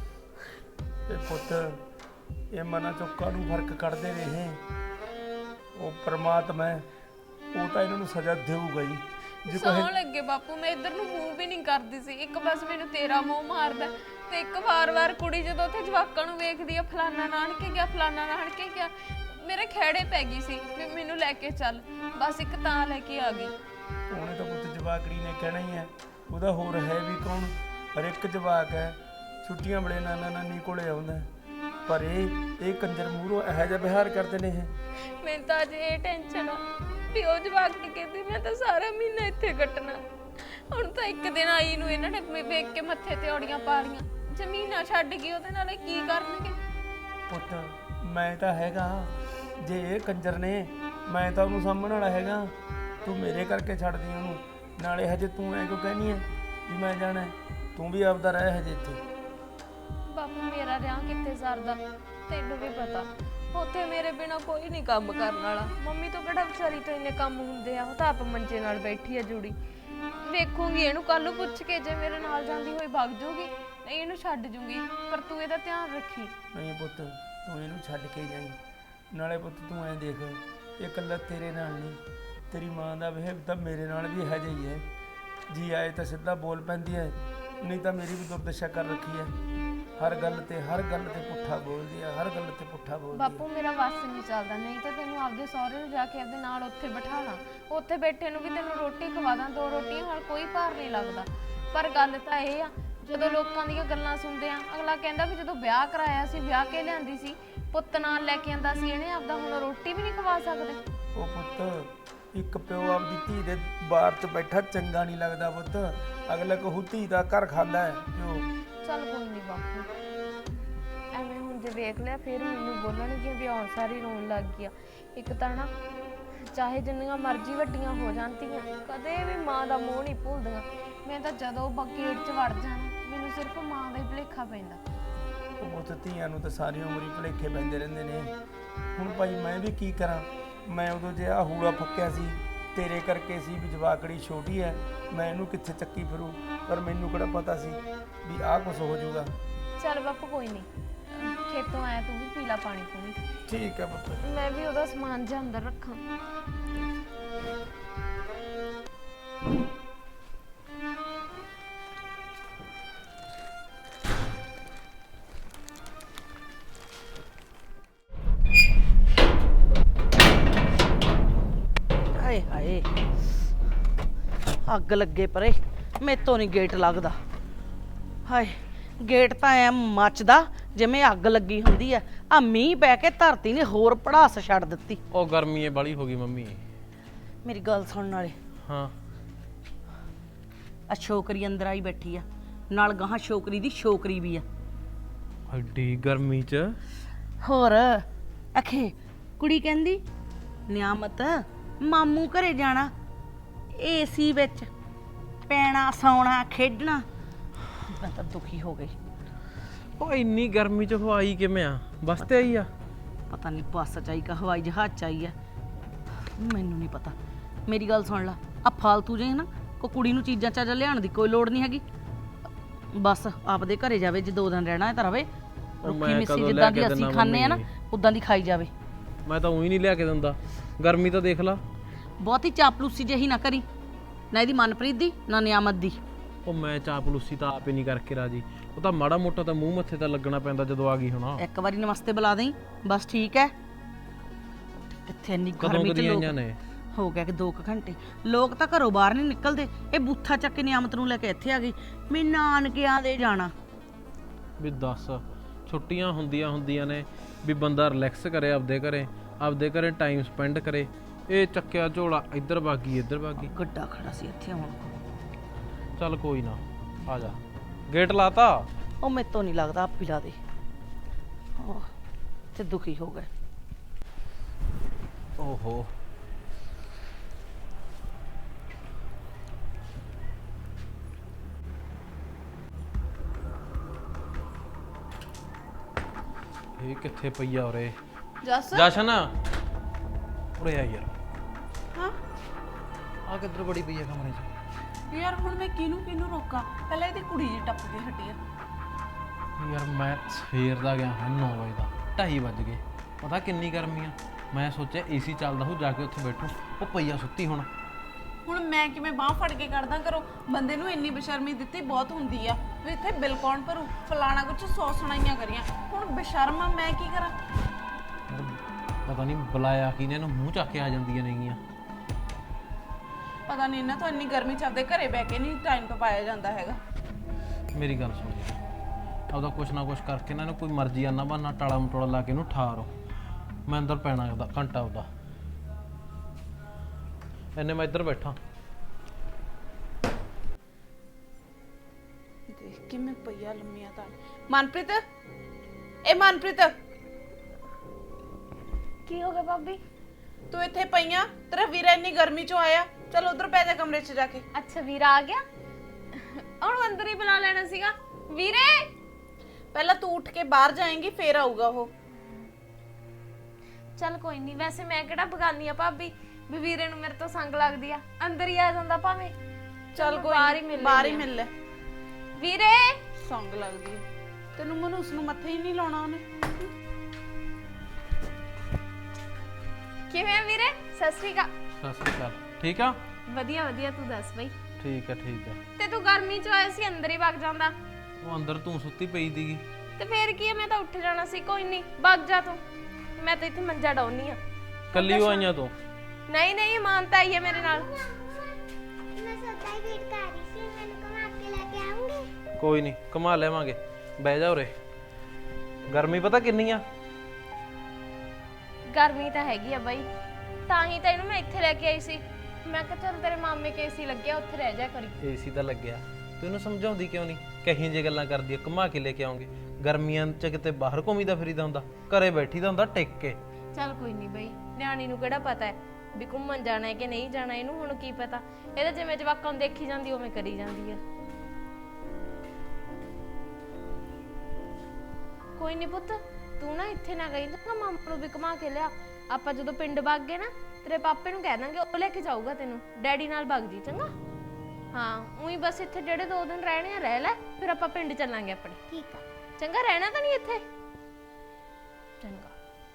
Speaker 6: ਤੇ ਪੁੱਤ ਇਹ ਮਨਾਂ ਚੋਂ ਕਾਹਨੂੰ ਫਰਕ ਕੱਢਦੇ ਰਹੇ? ਉਹ ਪਰਮਾਤਮਾ ਹੈ, ਉਹ ਤਾਂ ਇਹਨਾਂ ਨੂੰ ਸਜ਼ਾ ਦੇਊਗਾ ਹੀ। ਜੇ
Speaker 2: ਸੌਣ ਲੱਗੇ ਬਾਪੂ, ਮੈਂ ਇੱਧਰ ਨੂੰ ਮੂੰਹ ਵੀ ਨਹੀਂ ਕਰਦੀ ਸੀ। ਇੱਕ ਬਸ ਮੈਨੂੰ ਤੇਰਾ ਮੂੰਹ ਮਾਰਦਾ, ਤੇ ਇੱਕ ਵਾਰ-ਵਾਰ ਕੁੜੀ ਜਦੋਂ ਉੱਥੇ ਜਵਾਕਾਂ ਨੂੰ ਵੇਖਦੀ ਆ, ਫਲਾਨਾ ਨਾਨਕੇ ਗਿਆ, ਫਲਾਨਾ ਨਾਨਕੇ ਗਿਆ, ਮੇਰੇ ਖੇੜੇ ਪੈ ਗਈ ਸੀ ਵੀ ਮੈਨੂੰ ਲੈ ਕੇ ਚੱਲ। ਬਸ ਇੱਕ ਤਾਂ ਲੈ ਕੇ ਆ ਗਈ।
Speaker 6: ਉਹਨੇ ਤਾਂ ਪੁੱਤ ਜਵਾਕੜੀ ਨੇ ਕਹਿਣਾ ਹੀ ਹੈ, ਉਹਦਾ ਹੋਰ ਹੈ ਵੀ ਕੌਣ? ਹਰ ਇੱਕ ਜਵਾਕ ਹੈ ਛੁੱਟੀਆਂ ਵੇਲੇ ਨਾਨਾ ਨਾਨੀ ਕੋਲੇ ਆਉਂਦਾ, ਪਰ ਇਹ ਕੰਜਰ ਮੂਹਰੋਂ ਇਹੋ ਜਿਹਾ ਵਿਹਾਰ ਕਰਦੇ ਨੇ। ਇਹ
Speaker 2: ਮੈਨੂੰ ਤਾਂ ਅੱਜ ਇਹ ਟੈਨਸ਼ਨ ਆ ਵੀ ਉਹ ਜਵਾਕ ਨਹੀਂ ਕਹਿੰਦੀ ਮੈਂ ਤਾਂ ਸਾਰਾ ਮਹੀਨਾ ਇੱਥੇ ਕੱਟਣਾ। ਹੁਣ ਤਾਂ ਇੱਕ ਦਿਨ ਆਈ ਨੂੰ ਇਹਨਾਂ ਨੇ ਵੇਖ ਕੇ ਮੱਥੇ ਤੇ ਔੜੀਆਂ ਪਾ ਲੀਆਂ। ਜ਼ਮੀਨਾਂ ਛੱਡ ਗਈ ਉਹਦੇ ਨਾਲ, ਕੀ ਕਰਨਗੇ?
Speaker 6: ਪੁੱਤ ਮੈਂ ਤਾਂ ਹੈਗਾ, ਜੇ ਇਹ ਕੰਜਰ ਨੇ ਮੈਂ ਤਾਂ ਉਹਨੂੰ ਸਾਂਭਣ ਵਾਲਾ ਹੈਗਾ। ਤੂੰ ਮੇਰੇ ਕਰਕੇ ਛੱਡਦੀ ਉਹਨੂੰ, ਨਾਲੇ ਹਜੇ ਤੂੰ ਐ ਕਿਉਂ ਕਹਿਨੀ ਹੈ ਵੀ ਮੈਂ ਜਾਣਾ? ਤੂੰ ਵੀ ਆਪਦਾ ਰਹਿ ਹਜੇ ਇੱਥੇ।
Speaker 2: ਬਾਪੂ ਮੇਰਾ ਰਿਆਂ ਕਿੱਥੇ ਸਰਦਾ, ਤੈਨੂੰ ਵੀ ਪਤਾ ਉੱਥੇ ਮੇਰੇ ਬਿਨਾ ਕੋਈ ਨਹੀਂ ਕੰਮ ਕਰਨ ਵਾਲਾ। ਮੰਮੀ ਤੋਂ ਕਿਹੜਾ ਵਿਚਾਰੀ ਤੋਂ ਇੰਨੇ ਕੰਮ ਹੁੰਦੇ ਆ, ਉਹ ਤਾਂ ਆਪ ਮੰਜੇ ਨਾਲ ਬੈਠੀ ਆ ਜੁੜੀ। ਵੇਖੂੰਗੀ ਇਹਨੂੰ ਕੱਲ ਨੂੰ ਪੁੱਛ ਕੇ, ਜੇ ਮੇਰੇ ਨਾਲ ਜਾਂਦੀ ਹੋਈ ਵਗ ਜੂਗੀ, ਨਹੀਂ ਇਹਨੂੰ ਛੱਡ ਜੂਗੀ। ਪਰ ਤੂੰ ਇਹਦਾ ਧਿਆਨ ਰੱਖੀ।
Speaker 6: ਨਹੀਂ ਪੁੱਤ ਤੂੰ ਇਹਨੂੰ ਛੱਡ ਕੇ ਜਾਈਂ। ਨਾਲੇ ਪੁੱਤ ਤੂੰ ਐਂ ਦੇਖ, ਇਹ ਇਕੱਲਾ ਤੇਰੇ ਨਾਲ ਨਹੀਂ, ਤੇਰੀ ਮਾਂ ਦਾ ਬਿਹੇਵ ਤਾਂ ਮੇਰੇ ਨਾਲ ਵੀ ਇਹੋ ਜਿਹਾ ਹੀ ਹੈ। ਜੀ ਆਏ ਤਾਂ ਸਿੱਧਾ ਬੋਲ ਪੈਂਦੀ ਹੈ, ਨਹੀਂ ਤਾਂ ਮੇਰੀ ਵੀ ਦੁਰਦਸ਼ਾ ਕਰ ਰੱਖੀ ਹੈ। ਹਰ ਗੱਲ ਤੇ ਪੁੱਠਾ ਬੋਲਦੀ ਆ, ਹਰ ਗੱਲ ਤੇ ਪੁੱਠਾ ਬੋਲਦੀ ਆ।
Speaker 2: ਬਾਪੂ ਮੇਰਾ ਵੱਸ ਨਹੀਂ ਚੱਲਦਾ, ਨਹੀਂ ਤਾਂ ਤੈਨੂੰ ਆਪਦੇ ਸਹੁਰੇ ਨੂੰ ਜਾ ਕੇ ਆਪਦੇ ਨਾਲ ਉੱਥੇ ਬਿਠਾ ਲਾਂ। ਉੱਥੇ ਬੈਠੇ ਨੂੰ ਵੀ ਤੈਨੂੰ ਰੋਟੀ ਖਵਾ ਦਾਂ, 2 ਰੋਟੀਆਂ ਨਾਲ ਕੋਈ ਭਾਰ ਨਹੀਂ ਲੱਗਦਾ। ਪਰ ਗੱਲ ਤਾਂ ਇਹ ਆ, ਜਦੋਂ ਲੋਕਾਂ ਦੀਆਂ ਗੱਲਾਂ ਸੁਣਦੇ ਆ, ਅਗਲਾ ਕਹਿੰਦਾ ਵੀ ਜਦੋਂ ਵਿਆਹ ਕਰਾਇਆ ਸੀ, ਵਿਆਹ ਕੇ ਲਿਆਂਦੀ ਸੀ, ਪੁੱਤ ਨਾਲ ਲੈ ਕੇ ਆਂਦਾ ਸੀ ਇਹਨੇ, ਆਪਦਾ ਹੁਣ ਰੋਟੀ ਵੀ ਨਹੀਂ ਖਵਾ ਸਕਦੇ।
Speaker 6: ਉਹ ਪੁੱਤ, ਇੱਕ ਪਿਓ ਆਪਦੀ ਧੀ ਦੇ ਬਾਹਰ 'ਚ ਬੈਠਾ ਚੰਗਾ ਨਹੀਂ ਲੱਗਦਾ ਪੁੱਤ। ਅਗਲਾ ਕਹੂ ਧੀ ਦਾ ਘਰ ਖਾਂਦਾ ਹੈ ਪਿਓ।
Speaker 2: ਚੱਲ ਕੋਈ ਨਹੀਂ ਬਾਪੂ, ਐਵੇਂ ਹੁਣ ਜੇ ਵੇਖ ਲਿਆ ਫਿਰ ਮੈਨੂੰ ਬੋਲਣਗੀਆਂ ਵੀ ਆਉਣ ਸਾਰੀ ਰੋਣ ਲੱਗ ਗਿਆ। ਇੱਕ ਤਾਂ ਨਾ ਚਾਹੇ ਜਿੰਨੀਆਂ ਮਰਜ਼ੀ ਵੱਡੀਆਂ ਹੋ ਜਾਂਦੀਆਂ, ਕਦੇ ਵੀ ਮਾਂ ਦਾ ਮੋਹ ਨਹੀਂ ਭੁੱਲਦੀਆਂ। ਮੈਂ ਤਾਂ ਜਦੋਂ ਗੇਟ 'ਚ ਵੜ ਜਾਣਾ, ਮੈਨੂੰ ਸਿਰਫ ਮਾਂ ਦਾ ਹੀ ਭੁਲੇਖਾ ਪੈਂਦਾ।
Speaker 6: ਉਹ ਪੁੱਤ, ਧੀਆਂ ਨੂੰ ਤਾਂ ਸਾਰੀ ਉਮਰ ਹੀ ਭੁਲੇਖੇ ਪੈਂਦੇ ਰਹਿੰਦੇ ਨੇ। ਹੁਣ ਭਾਈ ਮੈਂ ਵੀ ਕੀ ਕਰਾਂ? ਮੈਂ ਉਦੋਂ ਜੇ ਆ ਹੂੜਾ ਫੱਕਿਆ ਸੀ ਤੇਰੇ ਕਰਕੇ ਸੀ ਵੀ ਜਵਾਕੜੀ ਛੋਟੀ ਹੈ, ਮੈਂ ਇਹਨੂੰ ਕਿੱਥੇ ਚੱਕੀ ਫਿਰੂ, ਪਰ ਮੈਨੂੰ ਕਿਹੜਾ ਪਤਾ ਸੀ ਵੀ ਆਹ ਕੁਝ ਹੋ ਜਾਊਗਾ।
Speaker 2: ਚੱਲ ਬਾਪੂ ਕੋਈ ਨਹੀਂ, ਖੇਤੋਂ ਆਇਆ ਤੂੰ ਵੀ ਪੀ ਲਾ ਪਾਣੀ ਪੂਣੀ।
Speaker 6: ਠੀਕ ਹੈ ਪੁੱਤ।
Speaker 2: ਮੈਂ ਵੀ ਉਹਦਾ ਸਮਾਨ ਜਿਹਾ ਅੰਦਰ ਰੱਖਾਂ।
Speaker 1: ਹਾਏ ਹਾਏ, ਅੱਗ ਲੱਗੇ ਪਰੇ, ਮੇਤੋਂ ਨਹੀਂ ਗੇਟ ਲੱਗਦਾ। ਹਾਏ, ਗੇਟ ਤਾਂ ਐ ਮੱਚਦਾ ਜਿਵੇਂ ਅੱਗ ਲੱਗੀ ਹੁੰਦੀ ਐ। ਆ ਮੀਂਹ ਪੈ ਕੇ ਧਰਤੀ ਨੇ ਹੋਰ ਪੜਾਸ ਛੱਡ ਦਿੱਤੀ।
Speaker 7: ਉਹ ਗਰਮੀ ਏ ਬਾਲੀ ਹੋ ਗਈ ਮੰਮੀ।
Speaker 1: ਮੇਰੀ ਗੱਲ ਸੁਣਨ ਵਾਲੇ,
Speaker 7: ਹਾਂ
Speaker 1: ਆ ਛੋਕਰੀ ਅੰਦਰ ਆਈ ਬੈਠੀ ਆ, ਨਾਲ ਗਾਹਾਂ ਛੋਕਰੀ ਦੀ ਛੋਕਰੀ ਵੀ ਆ।
Speaker 7: ਐਡੀ ਗਰਮੀ 'ਚ
Speaker 1: ਹੋਰ ਅਖੇ ਕੁੜੀ ਕਹਿੰਦੀ ਨਿਆਮਤ ਮਾਮੂ ਘਰੇ ਜਾਣਾ, ਏਸੀ ਵਿੱਚ ਪੈਣਾ, ਸੌਣਾ, ਖੇਡਣਾ। ਮੈਂ ਤਾਂ ਦੁਖੀ ਹੋ ਗਈ।
Speaker 7: ਉਹ ਇੰਨੀ ਗਰਮੀ 'ਚ ਹਵਾਈ ਕਿਵੇਂ ਆ? ਬੱਸ ਤੇ ਆਈ ਆ?
Speaker 1: ਪਤਾ ਨਹੀਂ ਬੱਸ ਚ ਆਈ ਕਾ ਹਵਾਈ ਜਹਾਜ਼ ਚ ਆਈ ਆ, ਮੈਨੂੰ ਨਹੀਂ ਪਤਾ। ਮੇਰੀ ਗੱਲ ਸੁਣ ਲਾ, ਆ ਫਾਲਤੂ ਜੇ ਨਾ ਕੋ ਕੁੜੀ ਨੂੰ ਚੀਜ਼ਾਂ ਚਾਜ਼ਾਂ ਲਿਆਉਣ ਦੀ ਕੋਈ ਲੋੜ ਨਹੀਂ ਹੈਗੀ। ਬਸ ਆਪਦੇ ਘਰੇ ਜਾਵੇ, ਜੇ 2 ਦਿਨ ਰਹਿਣਾ ਹੈ ਤਾਂ ਰਵੇ। ਰੁੱਖੀ
Speaker 7: ਮੈਂ
Speaker 1: ਮਿੱਸੀ
Speaker 7: ਕਦੋਂ
Speaker 1: ਜਿੱਦਾਂ
Speaker 7: ਲੈ ਕੇ
Speaker 1: ਦੀ ਅਸੀਂ
Speaker 7: ਦਿੰਦਾ
Speaker 1: ਖਾਂਦੇ ਆ ਨਾ,
Speaker 7: ਮੰਮੀ?
Speaker 1: ਉਦਾਂ ਦੀ ਖਾਈ ਜਾਵੇ।
Speaker 7: ਮੈਂ ਤਾਂ ਉਹੀ ਨਹੀਂ ਲਿਆ ਕੇ ਦਿੰਦਾ। ਗਰਮੀ ਤਾਂ ਦੇਖ ਲਾ।
Speaker 1: ਬਹੁਤੀ ਚਾਪਲੂਸੀ ਜਿਹੀ ਨਾ ਕਰੀ, ਨਾ ਇਹਦੀ ਮਨਪ੍ਰੀਤ ਦੀ ਨਾ ਨਿਆਮਤ ਦੀ।
Speaker 7: ਉਹ ਮੈਂ ਚਾਪਲੂਸੀ ਤਾਂ ਆਪ ਹੀ ਨਹੀਂ ਕਰਕੇ ਰਾਜੀ। ਉਹ ਤਾਂ ਮਾੜਾ ਮੋਟਾ ਤਾਂ ਮੂੰਹ ਮੱਥੇ ਤਾਂ ਲੱਗਣਾ ਪੈਂਦਾ ਜਦੋਂ ਆ ਗਈ ਹੁਣ।
Speaker 1: ਇੱਕ ਵਾਰੀ ਨਮਸਤੇ ਬੁਲਾ ਦੇਈ ਬਸ, ਠੀਕ ਹੈ। ਇੱਥੇ ਇੰਨੀ
Speaker 7: ਕਦੋਂ
Speaker 1: ਗਰਮੀ ਚ
Speaker 7: ਕਦੀਆਂ
Speaker 1: ਲੋਕ
Speaker 7: ਆਈਆਂ ਨੇ?
Speaker 1: ਹੋ ਗਿਆ ਕਿ 2 ਘੰਟੇ। ਲੋਕ ਤਾਂ ਘਰੋਂ ਬਾਹਰ ਨਹੀਂ ਨਿਕਲਦੇ। ਇਹ ਬੂਥਾ ਚੱਕ ਕੇ ਨਿਆਮਤ ਨੂੰ ਲੈ ਕੇ ਇੱਥੇ ਆ ਗਈ। ਮੈਂ ਨਾਨਕਿਆਂ ਦੇ ਜਾਣਾ।
Speaker 7: ਵੀ ਦੱਸ, ਛੁੱਟੀਆਂ ਹੁੰਦੀਆਂ ਨੇ ਵੀ ਬੰਦਾ ਰਿਲੈਕਸ ਕਰੇ ਆਪਦੇ ਘਰੇ ਟਾਈਮ ਸਪੈਂਡ ਕਰੇ। ਇਹ ਚੱਕਿਆ ਝੋਲਾ ਇੱਧਰ ਭਾਗੀ ਇੱਧਰ ਭਾਗੀ।
Speaker 1: ਗੱਡਾ ਖੜਾ ਸੀ ਇੱਥੇ ਹੁਣ।
Speaker 7: ਚੱਲ ਕੋਈ ਨਾ, ਆ ਜਾ। ਗੇਟ ਲਾਤਾ?
Speaker 1: ਉਹ ਮੈਥੋਂ ਨਹੀਂ ਲੱਗਦਾ, ਆਪ ਪਿਲਾ ਦੇ। ਤੇ ਦੁਖੀ ਹੋ ਗਏ।
Speaker 7: ਓਹੋ, ਇਹ ਕਿੱਥੇ ਪਈ ਆ ਉਰੇ?
Speaker 3: ਜੱਸ
Speaker 7: ਜਸ਼ਨ ਉਰੇ ਆ ਯਾਰ।
Speaker 3: ਹਾਂ
Speaker 7: ਆ ਕਿੱਧਰ ਬੜੀ ਪਈ ਆ ਕਮਰੇ 'ਚ?
Speaker 3: ਯਾਰ ਹੁਣ ਮੈਂ ਕਿਹਨੂੰ ਰੋਕਾਂ? ਪਹਿਲਾਂ ਇਹਦੀ ਕੁੜੀ ਜੀ ਟੱਪ ਕੇ ਹਟੀ ਆ।
Speaker 7: ਯਾਰ ਮੈਂ ਸਵੇਰ ਦਾ ਗਿਆ ਹਾਂ 9 ਵਜੇ ਦਾ, 2:30 ਵੱਜ ਗਏ। ਪਤਾ ਕਿੰਨੀ ਗਰਮੀ ਆ। ਮੈਂ ਸੋਚਿਆ ਏਸੀ ਚੱਲਦਾ ਹੋ, ਜਾ ਕੇ ਉੱਥੇ ਬੈਠੂ। ਉਹ ਪਈਆ ਸੁੱਤੀ ਹੁਣ
Speaker 3: ਮੈਂ ਕਿਵੇਂ ਬਾਹ ਫੜ ਕੇ ਕੱਢਦਾ ਕਰੋ? ਬੰਦੇ ਨੂੰ ਇੰਨੀ ਬੇਸ਼ਰਮੀ ਦਿੱਤੀ ਬਹੁਤ ਹੁੰਦੀ ਆ ਵੀ ਇੱਥੇ ਬਿੱਲ ਕੌਣ ਭਰੂ, ਫਲਾਣਾ ਕੁਛ 100 ਸੁਣਾਈਆਂ ਕਰੀਆਂ। ਹੁਣ ਬੇਸ਼ਰਮ ਆ, ਮੈਂ ਕੀ ਕਰਾਂ?
Speaker 7: ਪਤਾ ਨਹੀਂ ਬੁਲਾਇਆ ਕਿਨੇ, ਇਹਨੂੰ ਮੂੰਹ ਚੱਕ ਕੇ ਆ ਜਾਂਦੀਆਂ ਨੇਗੀਆਂ।
Speaker 3: ਪਤਾ ਨਹੀਂ ਇਹਨਾਂ ਤੋਂ ਇੰਨੀ ਗਰਮੀ ਚ ਆਪਦੇ ਘਰੇ ਬਹਿ ਕੇ ਨਹੀਂ ਟਾਈਮ ਪਾਇਆ ਜਾਂਦਾ ਹੈਗਾ।
Speaker 7: ਮੇਰੀ ਗੱਲ ਸੁਣ, ਆਪਦਾ ਕੁਛ ਨਾ ਕੁਛ ਕਰਕੇ ਇਹਨਾਂ ਨੂੰ ਕੋਈ ਮਰਜ਼ੀ ਆਨਾ ਬਹਾਨਾ ਟਾਲਾ ਮਟੋਲਾ ਲਾ ਕੇ ਇਹਨੂੰ ਠਾਰੋ। ਮੈਂ ਅੰਦਰ ਪੈਣਾ ਉਹਦਾ ਘੰਟਾ ਉਹਦਾ। ਇੰਨੇ ਮੈਂ ਇੱਧਰ ਬੈਠਾ।
Speaker 3: ਦੇਖ ਕਿਵੇਂ ਪਈਆ ਲੰਮੀਆਂ ਤਾਂ। ਮਨਪ੍ਰੀਤ, ਇਹ ਮਨਪ੍ਰੀਤ,
Speaker 2: ਕੀ ਹੋ ਗਿਆ ਭਾਬੀ?
Speaker 3: ਤੂੰ ਇੱਥੇ ਪਈਆਂ? ਤੇਰਾ ਵੀਰਾ ਇੰਨੀ ਗਰਮੀ ਚੋਂ ਆਇਆ। ਚਲ ਉਧਰ ਪੈ ਜਾ ਕਮਰੇ 'ਚ ਜਾ ਕੇ।
Speaker 2: ਅੱਛਾ ਵੀਰਾ ਆ ਗਿਆ, ਉਹਨੂੰ ਅੰਦਰ ਹੀ ਬੁਲਾ ਲੈਣਾ ਸੀਗਾ। ਵੀਰੇ
Speaker 3: ਪਹਿਲਾਂ ਤੂੰ ਉੱਠ ਕੇ ਬਾਹਰ ਜਾਏਂਗੀ, ਫੇਰ ਆਊਗਾ ਉਹ।
Speaker 2: ਚੱਲ ਕੋਈ ਨਹੀਂ, ਵੈਸੇ ਮੈਂ ਕਿਹੜਾ ਬਗਾਨੀ ਆ ਭਾਬੀ ਵੀ ਵੀਰੇ ਨੂੰ ਮੇਰੇ ਤੋਂ ਸੰਗ ਲੱਗਦੀ ਆ। ਅੰਦਰ ਹੀ ਆ ਜਾਂਦਾ ਭਾਵੇਂ।
Speaker 3: ਚੱਲ ਕੋਈ
Speaker 2: ਬਾਹਰ ਹੀ
Speaker 3: ਨੀ,
Speaker 2: ਮਿਲ
Speaker 3: ਬਾਹਰ ਹੀ ਮਿਲ ਲੈ।
Speaker 2: ਵੀਰੇ
Speaker 3: ਸੰਗ ਲੱਗਦੀ ਹੈ ਤੈਨੂੰ। ਮਨੂਸ ਨੂੰ ਮੱਥੇ ਹੀ ਨਹੀਂ ਲਾਉਣਾ ਉਹਨੇ।
Speaker 2: ਕਿਵੇਂ ਆ ਵੀਰੇ? ਸਤਿ ਸ਼੍ਰੀ ਅਕਾਲ।
Speaker 7: ਸਤਿ ਸ਼੍ਰੀ ਅਕਾਲ। ਠੀਕ ਆ?
Speaker 2: ਵਧੀਆ ਵਧੀਆ, ਤੂੰ ਦੱਸ ਬਈ।
Speaker 7: ਠੀਕ ਆ ਠੀਕ ਆ।
Speaker 2: ਤੇ ਤੂੰ ਗਰਮੀ ਚ ਆਇਆ ਸੀ, ਅੰਦਰ ਹੀ ਵਗ ਜਾਂਦਾ।
Speaker 7: ਉਹ ਅੰਦਰ ਤੂੰ ਸੁੱਤੀ ਪਈ ਸੀਗੀ।
Speaker 2: ਤੇ ਫੇਰ ਕੀ ਆ, ਮੈਂ ਤਾਂ ਉੱਠ ਜਾਣਾ ਸੀ। ਕੋਈ ਨਹੀਂ, ਵਗ ਜਾ ਤੂੰ। ਮੈਂ ਤਾਂ ਇੱਥੇ ਮੰਜਾ ਡਾਉਣੀ ਆ।
Speaker 7: ਕੱਲੀ ਹੋ ਆਈਆਂ ਤੂੰ?
Speaker 2: ਨਹੀਂ ਮਾਨਤਾ ਆਈ ਹੈ ਮੇਰੇ ਨਾਲ।
Speaker 4: ਮੈਂ ਸੋਚਿਆ ਵੇਟ ਕਰ ਰਹੀ ਸੀ, ਮੈਨੂੰ ਘੁਮਾ ਕੇ ਲੈ ਕੇ
Speaker 7: ਕੋਈ ਨਹੀਂ ਘੁਮਾ ਲਿਆਵਾਂਗੇ, ਬਹਿ ਜਾ ਉਰੇ। ਗਰਮੀ ਪਤਾ ਕਿੰਨੀ ਆ?
Speaker 2: ਗਰਮੀ ਤਾਂ ਹੈਗੀ ਆ ਬਾਈ, ਤਾਂ ਹੀ ਤਾਂ ਇਹਨੂੰ ਮੈਂ ਇੱਥੇ ਲੈ ਕੇ ਆਈ ਸੀ। ਮੈਂ ਕਿਹਾ ਚੱਲ ਤੇਰੇ ਮਾਮੇ ਕੇ ਏਸੀ ਲੱਗਿਆ, ਉੱਥੇ ਰਹਿ ਜਾ ਕਰੀ।
Speaker 7: ਏਸੀ ਤਾਂ ਲੱਗਿਆ, ਤੂੰ ਇਹਨੂੰ ਸਮਝਾਉਂਦੀ ਕਿਉਂ ਨਹੀਂ? ਕਹੀਂ ਜੇ ਗੱਲਾਂ ਕਰਦੀ ਆ, ਘੁਮਾ ਕੇ ਲੈ ਕੇ ਆਉਂਗੇ। ਗਰਮੀਆਂ 'ਚ ਕਿਤੇ ਬਾਹਰ ਘੁੰਮੀਦਾ ਫਿਰੀਦਾ ਹੁੰਦਾ, ਘਰੇ ਬੈਠੀ ਦਾ ਹੁੰਦਾ ਟਿਕ ਕੇ।
Speaker 2: ਚੱਲ ਕੋਈ ਨਹੀਂ ਬਾਈ, ਨਿਆਣੀ ਨੂੰ ਕਿਹੜਾ ਪਤਾ ਹੈ ਵੀ ਘੁੰਮਣ ਜਾਣਾ ਹੈ ਕਿ ਨਹੀਂ ਜਾਣਾ, ਇਹਨੂੰ ਹੁਣ ਕੀ ਪਤਾ। ਇਹਦਾ ਜਿਵੇਂ ਜਵਾਕਾਂ ਨੂੰ ਦੇਖੀ ਜਾਂਦੀ ਉਵੇਂ ਕਰੀ ਜਾਂਦੀ ਆ। ਕੋਈ ਨਹੀਂ ਪੁੱਤ, ਤੂੰ ਨਾ ਇੱਥੇ ਨਾ ਗਈ ਨਾ, ਮਾਮਾ ਨੂੰ ਵੀ ਘੁਮਾ ਕੇ ਲਿਆ। ਆਪਾਂ ਜਦੋਂ ਪਿੰਡ ਵਗ ਗਏ ਨਾ, ਤੇਰੇ ਪਾਪੇ ਨੂੰ ਕਹਿ ਦਾਂਗੇ, ਉਹ ਲੈ ਕੇ ਜਾਊਗਾ ਤੈਨੂੰ। ਡੈਡੀ ਨਾਲ ਵਗ ਜੀ, ਚੰਗਾ? ਹਾਂ, ਉਹੀ ਬਸ ਇੱਥੇ ਜਿਹੜੇ 2 ਦਿਨ ਰਹਿਣੇ ਆ ਰਹਿ ਲੈ, ਫਿਰ ਆਪਾਂ ਪਿੰਡ ਚੱਲਾਂਗੇ ਆਪਣੇ।
Speaker 4: ਠੀਕ ਆ।
Speaker 2: ਚੰਗਾ, ਰਹਿਣਾ ਤਾਂ ਨਹੀਂ ਇੱਥੇ? ਚੰਗਾ।